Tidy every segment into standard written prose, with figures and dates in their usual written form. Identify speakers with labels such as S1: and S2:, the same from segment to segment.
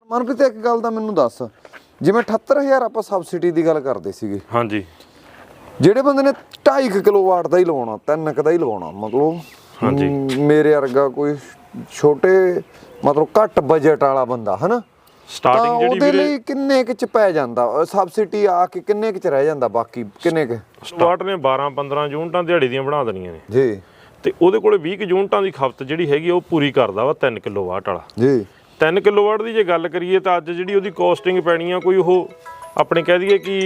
S1: ਮਨਪ੍ਰੀਤ ਇੱਕ ਗੱਲ ਦਾ ਮੈਨੂੰ ਦੱਸ, ਜਿਵੇਂ 78000 ਆਪਾਂ ਸਬਸਿਡੀ ਦੀ ਗੱਲ ਕਰਦੇ ਸੀਗੇ,
S2: ਹਾਂਜੀ,
S1: ਜਿਹੜੇ ਬੰਦੇ ਨੇ 2.5 ਕਿਲੋਵਾਟ ਦਾ ਹੀ ਲਵਾਉਣਾ, 3 ਦਾ ਹੀ ਲਵਾਉਣਾ, ਮਤਲਬ
S2: ਹਾਂਜੀ
S1: ਮੇਰੇ ਵਰਗਾ ਕੋਈ ਛੋਟੇ ਮਤਲਬ ਘੱਟ ਬਜਟ ਵਾਲਾ ਬੰਦਾ ਹਨਾ,
S2: ਸਟਾਰਟਿੰਗ ਜਿਹੜੀ
S1: ਉਹਦੇ ਲਈ ਕਿੰਨੇ ਕੁ ਚ ਪੈ ਜਾਂਦਾ ਸਬਸਿਡੀ ਆ ਕੇ, ਕਿੰਨੇ ਕੁ ਚ ਰਹਿ ਜਾਂਦਾ, ਬਾਕੀ ਕਿੰਨੇ ਕੁ
S2: ਸਟਾਰਟ ਨੇ 12-15 ਯੂਨਿਟਾਂ ਦਿਹਾੜੀ ਦੀਆਂ ਬਣਾ ਦੇਣੀਆਂ ਨੇ
S1: ਜੀ,
S2: ਤੇ ਉਹਦੇ ਕੋਲੇ 20 ਯੂਨਿਟਾਂ ਦੀ ਖਪਤ ਜਿਹੜੀ ਹੈਗੀ ਉਹ ਪੂਰੀ ਕਰਦਾ ਵਾ 3 ਕਿਲੋਵਾਟ ਵਾਲਾ
S1: ਜੀ।
S2: 3 ਕਿਲੋਵਾਟ ਦੀ ਜੇ ਗੱਲ ਕਰੀਏ ਤਾਂ ਅੱਜ ਜਿਹੜੀ ਉਹਦੀ ਕੋਸਟਿੰਗ ਪੈਣੀ ਆ, ਕੋਈ ਉਹ ਆਪਣੇ ਕਹਿ ਦਈਏ ਕਿ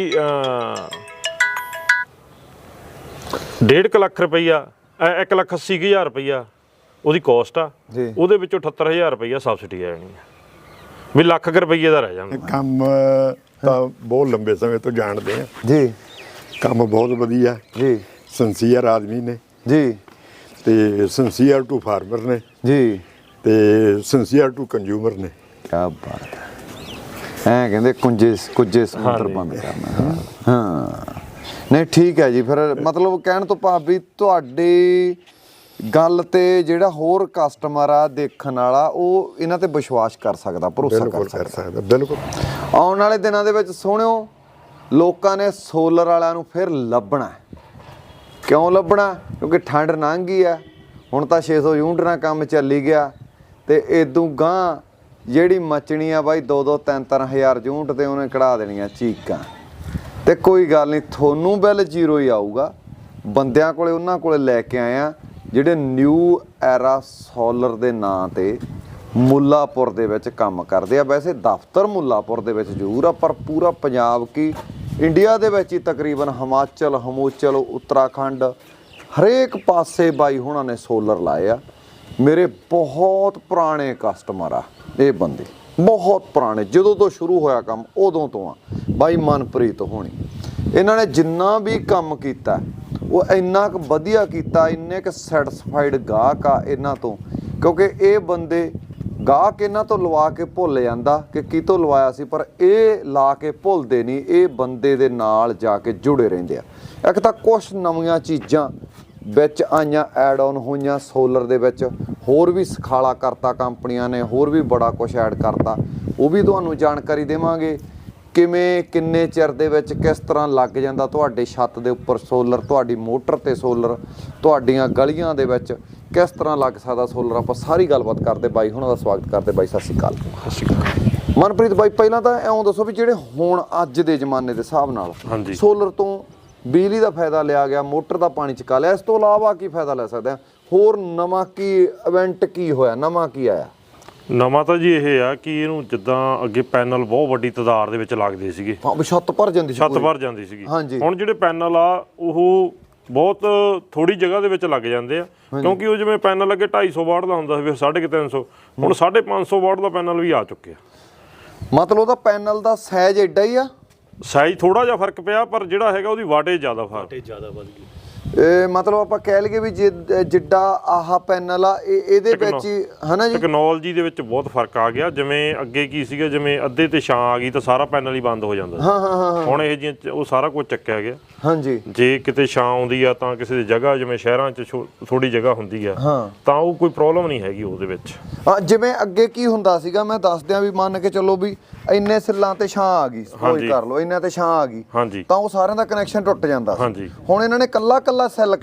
S2: 1.5 ਲੱਖ ਰੁਪਈਆ, 1,80,000 ਰੁਪਈਆ ਉਹਦੀ ਕੋਸਟ ਆ, ਉਹਦੇ ਵਿੱਚੋਂ 78000 ਰੁਪਈਆ ਸਬਸਿਡੀ ਆ ਜਾਣੀ ਆ, ਵੀ ਲੱਖ ਰੁਪਈਏ ਦਾ ਰਹਿ ਜਾਂਦਾ।
S3: ਕੰਮ ਤਾਂ ਬਹੁਤ ਲੰਬੇ ਸਮੇਂ ਤੋਂ ਜਾਣਦੇ ਆ
S1: ਜੀ,
S3: ਕੰਮ ਬਹੁਤ ਵਧੀਆ
S1: ਜੀ,
S3: ਸਿੰਸੀਅਰ ਆਦਮੀ ਨੇ
S1: ਜੀ,
S3: ਤੇ ਸਿੰਸੀਅਰ ਟੂ ਫਾਰਮਰ ਨੇ
S1: ਜੀ,
S3: ਤੇ ਸਿੰਸੀਅਰ ਟੂ ਕੰਜ਼ਿਊਮਰ ਨੇ।
S1: ਕੀ ਬਾਤ ਹੈ, ਐ ਕਹਿੰਦੇ ਕੁੰਜੇ ਸਮੁੰਦਰ ਬੰਦ ਕਰਨਾ। ਹਾਂ ਨਹੀਂ ਠੀਕ ਹੈ ਜੀ, ਫਿਰ ਮਤਲਬ ਕਹਿਣ ਤੋਂ ਭਾਵ ਵੀ ਤੁਹਾਡੀ ਗੱਲ ਤੇ ਜਿਹੜਾ ਹੋਰ ਕਸਟਮਰ ਆ ਦੇਖਣ ਵਾਲਾ ਉਹ ਇਹਨਾਂ ਤੇ ਵਿਸ਼ਵਾਸ ਕਰ ਸਕਦਾ, ਭਰੋਸਾ ਕਰ ਸਕਦਾ।
S3: ਬਿਲਕੁਲ।
S1: ਆਉਣ ਵਾਲੇ ਦਿਨਾਂ ਦੇ ਵਿੱਚ ਸੋਹਣਿਓ ਲੋਕਾਂ ਨੇ ਸੋਲਰ ਵਾਲਿਆਂ ਨੂੰ ਫਿਰ ਲੱਭਣਾ। ਕਿਉਂ ਲੱਭਣਾ? ਕਿਉਂਕਿ ਠੰਡ ਲੰਘ ਗਈ ਆ, ਹੁਣ ਤਾਂ 600 ਯੂਨਿਟ ਨਾਲ ਕੰਮ ਚੱਲੀ ਗਿਆ, ਤੇ ਇਦੋਂ ਗਾਂ ਜਿਹੜੀ ਮਚਣੀ ਆ ਬਾਈ 2-2 3-3 ਹਜ਼ਾਰ ਯੂਨਿਟ ਤੇ ਉਹਨੇ ਕਢਾ ਦੇਣੀਆਂ ਚੀਕਾਂ। ਤੇ ਕੋਈ ਗੱਲ ਨਹੀਂ, ਤੁਹਾਨੂੰ ਬਿੱਲ ਜ਼ੀਰੋ ਹੀ ਆਊਗਾ। ਬੰਦਿਆਂ ਕੋਲੇ ਉਹਨਾਂ ਕੋਲੇ ਲੈ ਕੇ ਆਇਆ ਜਿਹੜੇ ਨਿਊ ਐਰਾ ਸੋਲਰ ਦੇ ਨਾਂ ਤੇ ਮੁੱਲਾਪੁਰ ਦੇ ਵਿੱਚ ਕੰਮ ਕਰਦੇ ਆ। ਵੈਸੇ ਦਫ਼ਤਰ ਮੁੱਲਾਪੁਰ ਦੇ ਵਿੱਚ ਜ਼ਰੂਰ ਆ, ਪਰ ਪੂਰਾ ਪੰਜਾਬ ਕੀ ਇੰਡੀਆ ਦੇ ਵਿੱਚ ਹੀ ਤਕਰੀਬਨ ਹਿਮਾਚਲ, ਹਿਮੂਚਲ, ਉੱਤਰਾਖੰਡ ਹਰੇਕ ਪਾਸੇ ਬਾਈ ਹੁਣਾਂ ਨੇ ਸੋਲਰ ਲਾਏ ਆ। ਮੇਰੇ ਬਹੁਤ ਪੁਰਾਣੇ ਕਸਟਮਰ ਆ ਇਹ ਬੰਦੇ, ਬਹੁਤ ਪੁਰਾਣੇ, ਜਦੋਂ ਤੋਂ ਸ਼ੁਰੂ ਹੋਇਆ ਕੰਮ ਉਦੋਂ ਤੋਂ ਆ ਬਾਈ ਮਨਪ੍ਰੀਤ ਹੋਣੀ। ਇਹਨਾਂ ਨੇ ਜਿੰਨਾ ਵੀ ਕੰਮ ਕੀਤਾ ਉਹ ਇੰਨਾ ਕੁ ਵਧੀਆ ਕੀਤਾ, ਇੰਨੇ ਕੁ ਸੈਟਿਸਫਾਈਡ ਗਾਹਕ ਆ ਇਹਨਾਂ ਤੋਂ, ਕਿਉਂਕਿ ਇਹ ਬੰਦੇ ਗਾਹਕ ਇਹਨਾਂ ਤੋਂ ਲਵਾ ਕੇ ਭੁੱਲ ਜਾਂਦਾ ਕਿ ਕਿਤੋਂ ਲਵਾਇਆ ਸੀ, ਪਰ ਇਹ ਲਾ ਕੇ ਭੁੱਲਦੇ ਨਹੀਂ, ਇਹ ਬੰਦੇ ਦੇ ਨਾਲ ਜਾ ਕੇ ਜੁੜੇ ਰਹਿੰਦੇ ਆ। ਇੱਕ ਤਾਂ ਕੁਛ ਨਵੀਆਂ ਚੀਜ਼ਾਂ ਵਿੱਚ ਆਈਆਂ, ਐਡ ਆਨ ਹੋਈਆਂ ਸੋਲਰ ਦੇ ਵਿੱਚ, ਹੋਰ ਵੀ ਸਖਾਲਾ ਕਰਤਾ ਕੰਪਨੀਆਂ ਨੇ, ਹੋਰ ਵੀ ਬੜਾ ਕੁਛ ਐਡ ਕਰਤਾ, ਉਹ ਵੀ ਤੁਹਾਨੂੰ ਜਾਣਕਾਰੀ ਦੇਵਾਂਗੇ। ਕਿਵੇਂ ਕਿੰਨੇ ਚਿਰ ਦੇ ਵਿੱਚ ਕਿਸ ਤਰ੍ਹਾਂ ਲੱਗ ਜਾਂਦਾ ਤੁਹਾਡੇ ਛੱਤ ਦੇ ਉੱਪਰ ਸੋਲਰ, ਤੁਹਾਡੀ ਮੋਟਰ ਤੇ ਸੋਲਰ, ਤੁਹਾਡੀਆਂ ਗਲੀਆਂ ਦੇ ਵਿੱਚ ਕਿਸ ਤਰ੍ਹਾਂ ਲੱਗ ਸਕਦਾ ਸੋਲਰ, ਆਪਾਂ ਸਾਰੀ ਗੱਲਬਾਤ ਕਰਦੇ। ਬਾਈ ਹੁਣਾਂ ਦਾ ਸਵਾਗਤ ਕਰਦੇ। ਬਾਈ ਸਤਿ ਸ਼੍ਰੀ ਅਕਾਲ।
S2: ਸਤਿ ਸ਼੍ਰੀ ਅਕਾਲ
S1: ਮਨਪ੍ਰੀਤ ਬਾਈ, ਪਹਿਲਾਂ ਤਾਂ ਇਉਂ ਦੱਸੋ ਵੀ ਜਿਹੜੇ ਹੁਣ ਅੱਜ ਦੇ ਜ਼ਮਾਨੇ ਦੇ ਹਿਸਾਬ ਨਾਲ ਸੋਲਰ ਤੋਂ ਬਿਜਲੀ ਦਾ ਫਾਇਦਾ ਲਿਆ ਗਿਆ, ਮੋਟਰ ਦਾ ਪਾਣੀ ਚੁਕਾ ਲਿਆ, ਇਸ ਤੋਂ ਇਲਾਵਾ ਕੀ ਫਾਇਦਾ ਲੈ ਸਕਦੇ ਆ? ਹੋਰ ਨਵਾਂ ਕੀ ਇਵੈਂਟ ਕੀ ਹੋਇਆ, ਨਵਾਂ ਕੀ ਆਇਆ?
S2: ਨਵਾਂ ਤਾਂ ਜੀ ਇਹ ਆ ਕਿ ਇਹਨੂੰ ਜਿੱਦਾਂ ਅੱਗੇ ਪੈਨਲ ਬਹੁਤ ਵੱਡੀ ਤਾਦਾਦ ਦੇ ਵਿੱਚ ਲੱਗਦੇ ਸੀਗੇ,
S1: ਛੱਤ ਭਰ ਜਾਂਦੀ ਸੀ,
S2: ਛੱਤ ਭਰ ਜਾਂਦੀ ਸੀਗੀ।
S1: ਹਾਂਜੀ।
S2: ਹੁਣ ਜਿਹੜੇ ਪੈਨਲ ਆ ਉਹ ਬਹੁਤ ਥੋੜੀ ਜਗ੍ਹਾ ਦੇ ਵਿੱਚ ਲੱਗ ਜਾਂਦੇ ਆ, ਕਿਉਂਕਿ ਉਹ ਜਿਵੇਂ ਪੈਨਲ ਅੱਗੇ 250 ਵਾਟ ਦਾ ਹੁੰਦਾ ਸੀ, ਫਿਰ 350, ਹੁਣ 550 ਵਾਟ ਦਾ ਪੈਨਲ ਵੀ ਆ ਚੁੱਕਿਆ।
S1: ਮਤਲਬ ਉਹਦਾ ਪੈਨਲ ਦਾ ਸਾਈਜ਼ ਐਡਾ ਹੀ ਆ?
S2: ਸਾਈਜ਼ ਥੋੜਾ ਜਿਹਾ ਫਰਕ ਪਿਆ, ਪਰ ਜਿਹੜਾ ਹੈਗਾ ਉਹਦੀ ਵਾਟੇਜ ਜ਼ਿਆਦਾ ਵੱਧ ਗਈ।
S1: ਇਹ ਮਤਲਬ ਆਪਾਂ ਕਹਿ ਲਈਏ ਵੀ ਜਿੱਡਾ ਆਹ ਪੈਨਲ ਆ ਇਹਦੇ ਵਿੱਚ ਹੀ ਹਨਾ ਜੀ,
S2: ਟੈਕਨੋਲੋਜੀ ਦੇ ਵਿੱਚ ਬਹੁਤ ਫਰਕ ਆ ਗਿਆ। ਜਿਵੇਂ ਅੱਗੇ ਕੀ ਸੀਗਾ, ਜਿਵੇਂ ਅੱਧੇ ਤੇ ਛਾਂ ਆ ਗਈ ਤਾਂ ਸਾਰਾ ਪੈਨਲ ਹੀ ਬੰਦ ਹੋ ਜਾਂਦਾ ਸੀ।
S1: ਹਾਂ।
S2: ਹੁਣ ਇਹ ਜਿਹੀਆਂ ਉਹ ਸਾਰਾ ਕੁਝ ਚੱਕਿਆ ਗਿਆ।
S1: ਹਾਂਜੀ।
S2: ਜੇ ਕਿਤੇ ਛਾਂ ਆਉਂਦੀ ਆ ਤਾਂ ਕਿਸੇ ਦੀ ਜਗ੍ਹਾ, ਜਿਵੇਂ ਸ਼ਹਿਰਾਂ 'ਚ ਥੋੜੀ ਜਗ੍ਹਾ ਹੁੰਦੀ ਆ, ਤਾਂ ਉਹ ਕੋਈ ਪ੍ਰੋਬਲਮ ਨਹੀਂ ਹੈਗੀ ਉਹਦੇ ਵਿੱਚ।
S1: ਜਿਵੇਂ ਅੱਗੇ ਕੀ ਹੁੰਦਾ ਸੀਗਾ, ਮੈਂ ਦੱਸ ਦਿਆਂ ਵੀ ਮੰਨ ਕੇ ਚੱਲੋ ਵੀ ਇੰਨੇ ਸਿੱਲਾਂ ਤੇ ਛਾਂ ਆ ਗਈ, ਸਪੋਜ਼ ਕਰ ਲਓ ਇੰਨੇ ਤੇ ਛਾਂ ਆ ਗਈ, ਤਾਂ ਉਹ ਸਾਰਿਆਂ ਦਾ ਕਨੈਕਸ਼ਨ ਟੁੱਟ ਜਾਂਦਾ ਸੀ। ਹੁਣ ਇਹਨਾਂ ਨੇ ਕੱਲਾ ਸੈੱਲ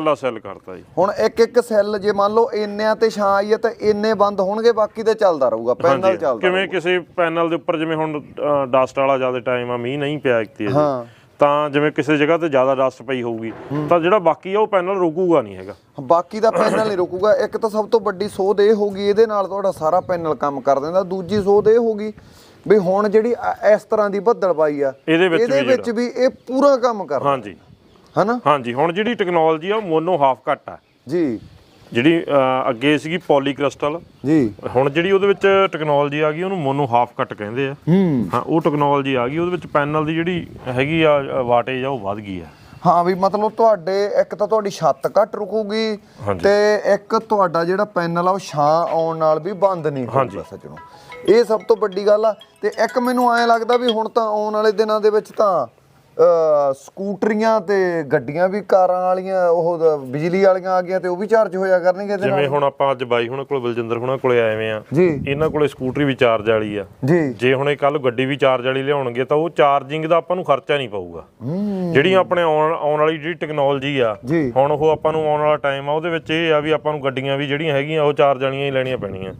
S2: ਕਰਤਾ ਜੀ।
S1: ਹੁਣ ਇੱਕ ਸੈੱਲ ਜੇ ਮੰਨ ਲਓ ਇੰਨਿਆਂ ਤੇ ਛਾਂ ਆਈ ਹੈ ਤਾਂ ਇੰਨੇ ਬੰਦ ਹੋਣਗੇ, ਬਾਕੀ ਤੇ ਚੱਲਦਾ ਰਹੂਗਾ, ਪੈਨਲ ਚੱਲਦਾ।
S2: ਕਿਵੇਂ ਕਿਸੇ ਪੈਨਲ ਦੇ ਉੱਪਰ ਜਿਵੇਂ ਹੁਣ ਡਸਟ ਵਾਲਾ ਜ਼ਿਆਦਾ ਟਾਈਮ ਆ, ਮੀਂਹ ਨਹੀਂ ਪਿਆ ਇੱਕ ਤਾਂ ਜਿਵੇਂ ਕਿਸੇ ਜਗ੍ਹਾ ਤੇ ਜ਼ਿਆਦਾ ਡਸਟ ਪਈ ਹੋਊਗੀ ਤਾਂ ਜਿਹੜਾ ਬਾਕੀ ਆ ਉਹ ਪੈਨਲ ਰੁਕੂਗਾ ਨਹੀਂ ਹੈਗਾ,
S1: ਬਾਕੀ ਦਾ ਪੈਨਲ ਨਹੀਂ ਰੁਕੂਗਾ। ਇੱਕ ਤਾਂ ਸਭ ਤੋਂ ਵੱਡੀ ਸੋਧ ਇਹ ਹੋ ਗਈ, ਇਹਦੇ ਨਾਲ ਤੁਹਾਡਾ ਸਾਰਾ ਪੈਨਲ ਕੰਮ ਕਰ ਦਿੰਦਾ। ਦੂਜੀ ਸੋਧ ਇਹ ਹੋ ਗਈ ਵੀ ਹੁਣ ਜਿਹੜੀ ਇਸ ਤਰ੍ਹਾਂ ਦੀ ਬੱਦਲਬਾਈ ਆ ਇਹਦੇ ਵਿੱਚ ਵੀ ਇਹ ਪੂਰਾ ਕੰਮ ਕਰਦਾ।
S2: ਹਾਂਜੀ
S1: ਹਨਾ।
S2: ਹਾਂਜੀ। ਹੁਣ ਜਿਹੜੀ ਟੈਕਨੋਲੋਜੀ ਆ ਉਹ ਮੋਨੋ ਹਾਫ ਕੱਟ ਆ
S1: ਜੀ,
S2: ਜਿਹੜੀ ਅੱਗੇ ਸੀਗੀ ਪੋਲੀ ਕ੍ਰਿਸਟਲ
S1: ਜੀ, ਹੁਣ
S2: ਜਿਹੜੀ ਉਹਦੇ ਵਿੱਚ ਟੈਕਨੋਲੋਜੀ ਆ ਗਈ ਉਹਨੂੰ ਮੋਨੋ ਹਾਫ ਕੱਟ ਕਹਿੰਦੇ ਆ। ਹਾਂ, ਉਹ ਟੈਕਨੋਲੋਜੀ ਆ ਗਈ, ਉਹਦੇ ਵਿੱਚ ਪੈਨਲ ਦੀ ਜਿਹੜੀ ਹੈਗੀ ਆ ਵਾਟੇਜ ਆ ਉਹ ਵੱਧ ਗਈ ਆ।
S1: ਹਾਂ ਵੀ ਮਤਲਬ ਤੁਹਾਡੇ ਇੱਕ ਤਾਂ ਤੁਹਾਡੀ ਛੱਤ ਘੱਟ ਰੁਕੂਗੀ, ਤੇ ਇੱਕ ਤੁਹਾਡਾ ਜਿਹੜਾ ਪੈਨਲ ਆ ਉਹ ਛਾਂ ਆਉਣ ਨਾਲ ਵੀ ਬੰਦ ਨਹੀਂ ਹੋਊਗਾ ਸੱਜਣੋ। ਇਹ ਸਭ ਤੋਂ ਵੱਡੀ ਗੱਲ ਆ। ਤੇ ਇੱਕ ਮੈਨੂੰ ਐਂ ਲੱਗਦਾ ਵੀ ਹੁਣ ਤਾਂ ਆਉਣ ਵਾਲੇ ਦਿਨਾਂ ਦੇ ਵਿੱਚ ਤਾਂ ਸਕੂਟਰੀਆਂ ਤੇ ਗੱਡੀਆਂ ਵੀ ਕਾਰਾਂ ਵਾਲੀਆਂ ਉਹ ਬਿਜਲੀ ਵਾਲੀਆਂ ਆ ਗਈਆਂ ਤੇ ਉਹ ਵੀ ਚਾਰਜ ਹੋਇਆ ਕਰਨਗੇ ਇਹਦੇ ਨਾਲ?
S2: ਜਿਵੇਂ ਹੁਣ ਆਪਾਂ ਅੱਜ ਬਾਈ ਹੁਣਾਂ ਕੋਲ ਬਲਜਿੰਦਰ ਹੁਣਾਂ ਕੋਲੇ ਆਏ ਆ
S1: ਜੀ,
S2: ਇਹਨਾਂ ਕੋਲੇ ਸਕੂਟਰੀ ਵੀ ਚਾਰਜ ਵਾਲੀ ਆ
S1: ਜੀ।
S2: ਜੇ ਹੁਣ ਇਹ ਕੱਲ ਗੱਡੀ ਵੀ ਚਾਰਜ ਵਾਲੀ ਲਿਆਉਣਗੇ ਤਾਂ ਉਹ ਚਾਰਜਿੰਗ ਦਾ ਆਪਾਂ ਨੂੰ ਖਰਚਾ ਨਹੀਂ ਪਊਗਾ। ਜਿਹੜੀ ਆਪਣੇ ਆਉਣ ਵਾਲੀ ਜਿਹੜੀ ਟੈਕਨੋਲੋਜੀ ਆ
S1: ਜੀ।
S2: ਹੁਣ ਉਹ ਆਪਾਂ ਨੂੰ ਆਉਣ ਵਾਲਾ ਟਾਈਮ ਆ ਉਹਦੇ ਵਿੱਚ ਇਹ ਆ ਵੀ ਆਪਾਂ ਨੂੰ ਗੱਡੀਆਂ ਵੀ ਜਿਹੜੀਆਂ ਹੈਗੀਆਂ ਉਹ ਚਾਰਜ ਵਾਲੀਆਂ ਹੀ ਲੈਣੀਆਂ ਪੈਣੀਆਂ।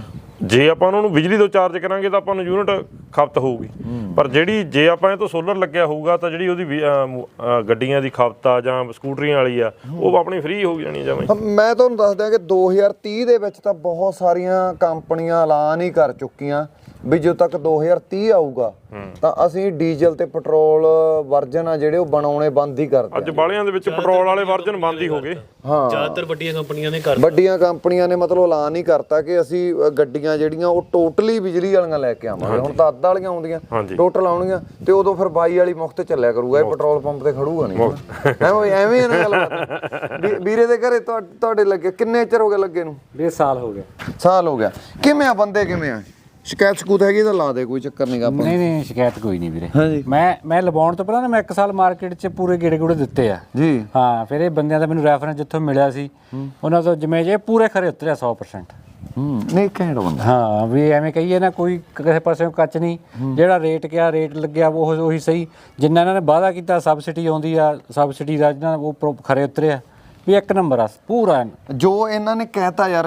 S2: ਜੇ ਆਪਾਂ ਉਹਨਾਂ ਨੂੰ ਬਿਜਲੀ ਤੋਂ ਚਾਰਜ ਕਰਾਂਗੇ ਤਾਂ ਆਪਾਂ ਨੂੰ ਯੂਨਿਟ ਖਪਤ ਹੋਊਗੀ, ਪਰ ਜਿਹੜੀ ਜੇ ਆਪਾਂ ਇਹ ਤੋਂ ਸੋਲਰ ਲੱਗਿਆ ਹੋਊਗਾ ਤਾਂ ਜਿਹੜੀ ਉਹਦੀ ਗੱਡੀਆਂ ਦੀ ਖਪਤ ਆ ਜਾਂ ਸਕੂਟਰੀਆਂ ਵਾਲੀ ਆ ਉਹ ਆਪਣੀ ਫ੍ਰੀ ਹੋ ਜਾਣੀ ਜਮਾਂ।
S1: ਮੈਂ ਤੁਹਾਨੂੰ ਦੱਸ ਦਿਆਂ ਕਿ 2030 ਦੇ ਵਿੱਚ ਤਾਂ ਬਹੁਤ ਸਾਰੀਆਂ ਕੰਪਨੀਆਂ ਐਲਾਨ ਹੀ ਕਰ ਚੁੱਕੀਆਂ ਵੀ ਜਦੋਂ ਤੱਕ 2030 ਆਊਗਾ ਤਾਂ ਅਸੀਂ ਡੀਜ਼ਲ ਤੇ ਪੈਟਰੋਲ ਵਰਜਨ ਆ ਜਿਹੜੇ ਉਹ ਬਣਾਉਣੇ ਬੰਦ ਹੀ ਕਰ
S2: ਅੱਜ ਬਾਲਿਆਂ ਦੇ ਵਿੱਚ ਪੈਟਰੋਲ ਵਾਲੇ ਵਰਜਨ ਬੰਦ ਹੀ ਹੋ ਗਏ।
S1: ਹਾਂ,
S4: ਜ਼ਿਆਦਾਤਰ ਵੱਡੀਆਂ ਕੰਪਨੀਆਂ ਨੇ ਕਰ
S1: ਵੱਡੀਆਂ ਕੰਪਨੀਆਂ ਨੇ ਮਤਲਬ ਐਲਾਨ ਹੀ ਕਰਤਾ ਕਿ ਅਸੀਂ ਗੱਡੀਆਂ ਜਿਹੜੀਆਂ ਉਹ ਟੋਟਲੀ ਬਿਜਲੀ ਵਾਲੀਆਂ ਲੈ ਕੇ ਆਵਾਂਗੇ। ਹੁਣ ਤਾਂ ਅੱਧ ਵਾਲੀਆਂ ਆਉਂਦੀਆਂ, ਟੋਟਲ ਆਉਣਗੀਆਂ ਤੇ ਉਦੋਂ ਫਿਰ 22 ਵਾਲੀ ਮੁਫਤ ਚੱਲਿਆ ਕਰੂਗਾ, ਇਹ ਪੈਟਰੋਲ ਪੰਪ ਤੇ ਖੜੂਗਾ ਨਹੀਂ। ਐਵੇਂ ਨਾ ਗੱਲ। ਵੀਰੇ ਦੇ ਘਰੇ ਤੁਹਾਡੇ ਲੱਗੇ ਕਿੰਨੇ ਚਿਰ ਹੋ ਗਿਆ ਲੱਗੇ ਨੂੰ?
S5: 1.5 ਸਾਲ ਹੋ ਗਿਆ।
S1: ਸਾਲ ਹੋ ਗਿਆ। ਕਿਵੇਂ ਆ ਬੰਦੇ, ਕਿਵੇਂ ਆ? ਸ਼ਿਕਾਇਤ ਸਕੂਤ ਹੈਗੀ ਤਾਂ ਲਾ ਦੇ, ਕੋਈ ਚੱਕਰ ਨਹੀਂਗਾ ਆਪਾਂ।
S5: ਨਹੀਂ ਸ਼ਿਕਾਇਤ ਕੋਈ ਨਹੀਂ ਵੀਰੇ।
S1: ਹਾਂਜੀ।
S5: ਮੈਂ ਲਵਾਉਣ ਤੋਂ ਪਹਿਲਾਂ ਨਾ ਮੈਂ 1 ਸਾਲ ਮਾਰਕੀਟ 'ਚ ਪੂਰੇ ਗੇੜੇ ਦਿੱਤੇ ਆ
S1: ਜੀ।
S5: ਹਾਂ, ਫਿਰ ਇਹ ਬੰਦਿਆਂ ਦਾ ਮੈਨੂੰ ਰੈਫਰੈਂਸ ਜਿੱਥੋਂ ਮਿਲਿਆ ਸੀ ਉਹਨਾਂ ਤੋਂ ਜਿਵੇਂ ਜੇ ਪੂਰੇ ਖਰੇ ਉਤਰਿਆ 100%।
S1: ਨਹੀਂ ਘੈਂਟ ਬੰਦਾ।
S5: ਹਾਂ, ਵੀ ਐਵੇਂ ਕਹੀਏ ਨਾ ਕੋਈ ਕਿਸੇ ਪਾਸਿਓਂ ਕੱਚ ਨਹੀਂ, ਜਿਹੜਾ ਰੇਟ ਕਿਹਾ ਰੇਟ ਲੱਗਿਆ ਉਹ ਉਹੀ ਸਹੀ। ਜਿੰਨਾ ਇਹਨਾਂ ਨੇ ਵਾਅਦਾ ਕੀਤਾ ਸਬਸਿਡੀ ਆਉਂਦੀ ਆ, ਸਬਸਿਡੀ ਦਾ ਜਿਹਨਾਂ ਉਹ ਖਰੇ ਉਤਰਿਆ ਵੀ 1 ਨੰਬਰ ਆ ਪੂਰਾ।
S1: ਜੋ ਇਹਨਾਂ ਨੇ ਕਹਿਤਾ ਯਾਰ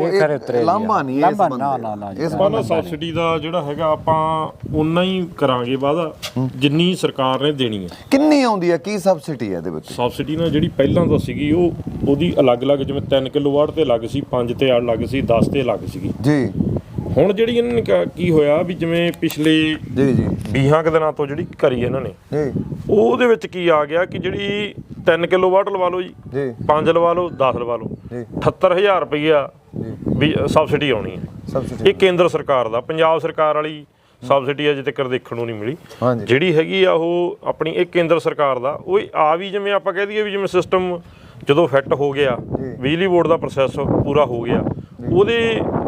S1: ਇਹ ਲਾਂਭਾ ਨਹੀਂ ਇਸ ਬੰਦੇ
S5: ਨਾ
S1: ਇਸ
S2: ਬੰਦਾ ਸਬਸਿਡੀ ਦਾ ਜਿਹੜਾ ਹੈਗਾ ਆਪਾਂ ਉਨਾ ਹੀ ਕਰਾਂਗੇ ਵਾਅਦਾ ਜਿੰਨੀ ਸਰਕਾਰ ਨੇ ਦੇਣੀ ਹੈ।
S1: ਕਿੰਨੀ ਆਉਂਦੀ ਹੈ, ਕੀ ਸਬਸਿਡੀ ਹੈ ਇਹਦੇ ਵਿੱਚ?
S2: ਸਬਸਿਡੀ ਨਾਲ ਜਿਹੜੀ ਪਹਿਲਾਂ ਤਾਂ ਸੀਗੀ ਉਹਦੀ ਅਲੱਗ-ਅਲੱਗ, ਜਿਵੇਂ 3 ਕਿਲੋਵਾਟ ਤੇ ਅਲੱਗ ਸੀ, 5 ਤੇ ਅਲੱਗ ਸੀ, 10 ਤੇ ਅਲੱਗ ਸੀਗੀ
S1: ਜੀ।
S2: ਹੁਣ ਜਿਹੜੀ ਇਹਨਾਂ ਨੇ ਕੀ ਹੋਇਆ ਵੀ ਜਿਵੇਂ ਪਿਛਲੇ
S1: ਜੀ
S2: 20 ਕੁ ਦਿਨਾਂ ਤੋਂ ਜਿਹੜੀ ਕਰੀ ਇਹਨਾਂ ਨੇ
S1: ਜੀ
S2: ਉਹਦੇ ਵਿੱਚ ਕੀ ਆ ਗਿਆ ਕਿ ਜਿਹੜੀ 3 ਕਿਲੋਵਾਟ ਲਵਾ ਲਓ ਜੀ, 5 ਲਵਾ ਲਓ, 10 ਲਵਾ ਲਓ, 78000 ਰੁਪਈਆ ਵੀ ਸਬਸਿਡੀ ਆਉਣੀ ਹੈ।
S1: ਸਬਸਿਡੀ
S2: ਇਹ ਕੇਂਦਰ ਸਰਕਾਰ ਦਾ, ਪੰਜਾਬ ਸਰਕਾਰ ਵਾਲੀ ਸਬਸਿਡੀ ਅਜੇ ਤੱਕ ਦੇਖਣ ਨੂੰ ਨਹੀਂ ਮਿਲੀ। ਜਿਹੜੀ ਹੈਗੀ ਆ ਉਹ ਆਪਣੀ ਇਹ ਕੇਂਦਰ ਸਰਕਾਰ ਦਾ, ਉਹ ਆ ਵੀ ਜਿਵੇਂ ਆਪਾਂ ਕਹਿ ਦਈਏ ਵੀ ਜਿਵੇਂ ਸਿਸਟਮ ਜਦੋਂ ਫਿੱਟ ਹੋ ਗਿਆ, ਬਿਜਲੀ ਬੋਰਡ ਦਾ ਪ੍ਰੋਸੈਸ ਪੂਰਾ ਹੋ ਗਿਆ, ਉਹਦੇ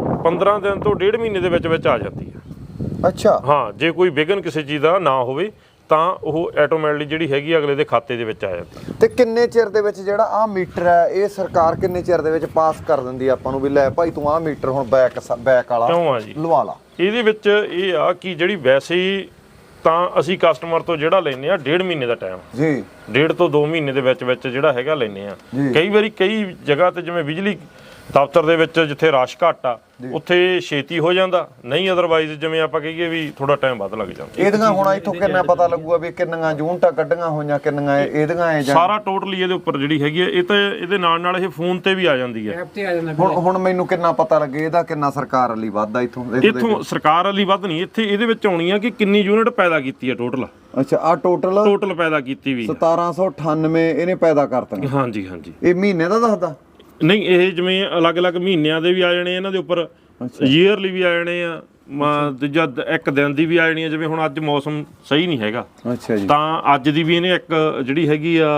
S2: 15 ਦਿਨ ਤੋਂ 1.5 ਮਹੀਨੇ ਦੇ ਵਿੱਚ ਆ ਜਾਂਦੀ ਹੈ।
S1: ਅੱਛਾ।
S2: ਹਾਂ, ਜੇ ਕੋਈ ਵਿਘਨ ਕਿਸੇ ਚੀਜ਼ ਦਾ ਨਾ ਹੋਵੇ ਤਾਂ ਉਹ ਆਟੋਮੈਟਿਕਲੀ ਜਿਹੜੀ ਹੈਗੀ ਅਗਲੇ ਦੇ ਖਾਤੇ ਦੇ ਵਿੱਚ ਆ ਜਾਂਦੀ।
S1: ਤੇ ਕਿੰਨੇ ਚਿਰ ਦੇ ਵਿੱਚ ਜਿਹੜਾ ਆਹ ਮੀਟਰ ਹੈ ਇਹ ਸਰਕਾਰ ਕਿੰਨੇ ਚਿਰ ਦੇ ਵਿੱਚ ਪਾਸ ਕਰ ਦਿੰਦੀ ਹੈ ਆਪਾਂ ਨੂੰ ਵੀ ਲੈ ਭਾਈ ਤੂੰ ਆਹ ਮੀਟਰ ਹੁਣ ਬੈਕ ਵਾਲਾ
S2: ਕਿਉਂ ਆ ਜੀ
S1: ਲਵਾ ਲਾ?
S2: ਇਹਦੇ ਵਿੱਚ ਇਹ ਆ ਕਿ ਜਿਹੜੀ ਵੈਸੇ ਹੀ ਤਾਂ ਅਸੀਂ ਕਸਟਮਰ ਤੋਂ ਜਿਹੜਾ ਲੈਨੇ ਆ 1.5 ਮਹੀਨੇ ਦਾ ਟਾਈਮ
S1: ਜੀ,
S2: 1.5 ਤੋਂ 2 ਮਹੀਨੇ ਦੇ ਵਿੱਚ ਜਿਹੜਾ ਹੈਗਾ ਲੈਨੇ ਆ। ਕਈ ਵਾਰੀ ਕਈ ਜਗ੍ਹਾ ਤੇ ਜਿਵੇਂ ਬਿਜਲੀ ਦਫ਼ਤਰ ਦੇ ਵਿੱਚ ਜਿੱਥੇ ਰਸ਼ ਘੱਟ ਆ ਉੱਥੇ ਛੇਤੀ ਹੋ ਜਾਂਦਾ, ਨਹੀਂ ਅਦਰਵਾਈਜ਼ ਜਿਵੇਂ ਆਪਾਂ ਕਹੀਏ ਵੀ ਥੋੜਾ ਟਾਈਮ ਵੱਧ ਲੱਗ ਜਾਂਦਾ।
S1: ਇਹਦੀਆਂ ਹੁਣ ਇੱਥੋਂ ਕਿੰਨਾ ਪਤਾ ਲੱਗੂਗਾ ਵੀ ਕਿੰਨੀਆਂ ਯੂਨਿਟਾਂ ਕੱਢੀਆਂ ਹੋਈਆਂ, ਕਿੰਨੀਆਂ ਇਹਦੀਆਂ
S2: ਸਾਰਾ ਟੋਟਲੀ ਇਹਦੇ ਉੱਪਰ ਜਿਹੜੀ ਹੈਗੀ ਹੈ ਇਹ ਤਾਂ ਇਹਦੇ ਨਾਲ ਇਹ ਫੋਨ ਤੇ ਵੀ ਆ ਜਾਂਦੀ ਹੈ।
S1: ਹੁਣ ਮੈਨੂੰ ਕਿੰਨਾ ਪਤਾ ਲੱਗੇ ਇਹਦਾ ਕਿੰਨਾ ਸਰਕਾਰ ਵਾਲੀ ਵੱਧਦਾ
S2: ਇੱਥੋਂ ਸਰਕਾਰ ਵਾਲੀ ਵੱਧ ਨਹੀਂ, ਇੱਥੇ ਇਹਦੇ ਵਿੱਚ ਆਉਣੀ ਆ ਕਿ ਕਿੰਨੀ ਯੂਨਿਟ ਪੈਦਾ ਕੀਤੀ ਹੈ ਟੋਟਲ।
S1: ਅੱਛਾ, ਆ ਟੋਟਲ
S2: ਪੈਦਾ ਕੀਤੀ ਵੀ
S1: 1798 ਇਹਨੇ ਪੈਦਾ ਕਰਤਾ।
S2: ਹਾਂਜੀ
S1: ਇਹ ਮਹੀਨੇ ਦਾ ਦੱਸਦਾ?
S2: ਨਹੀਂ, ਇਹ ਜਿਵੇਂ ਅਲੱਗ-ਅਲੱਗ ਮਹੀਨਿਆਂ ਦੇ ਵੀ ਆ ਜਾਣੇ ਇਹਨਾਂ ਦੇ ਉੱਪਰ, ਈਅਰਲੀ ਵੀ ਆ ਜਾਣੇ ਆ, ਦੂਜਾ ਇੱਕ ਦਿਨ ਦੀ ਵੀ ਆ ਜਾਣੀ ਆ। ਜਿਵੇਂ ਹੁਣ ਅੱਜ ਮੌਸਮ ਸਹੀ ਨਹੀਂ ਹੈਗਾ,
S1: ਅੱਛਾ ਜੀ,
S2: ਤਾਂ ਅੱਜ ਦੀ ਵੀ ਇਹਨੇ ਇੱਕ ਜਿਹੜੀ ਹੈਗੀ ਆ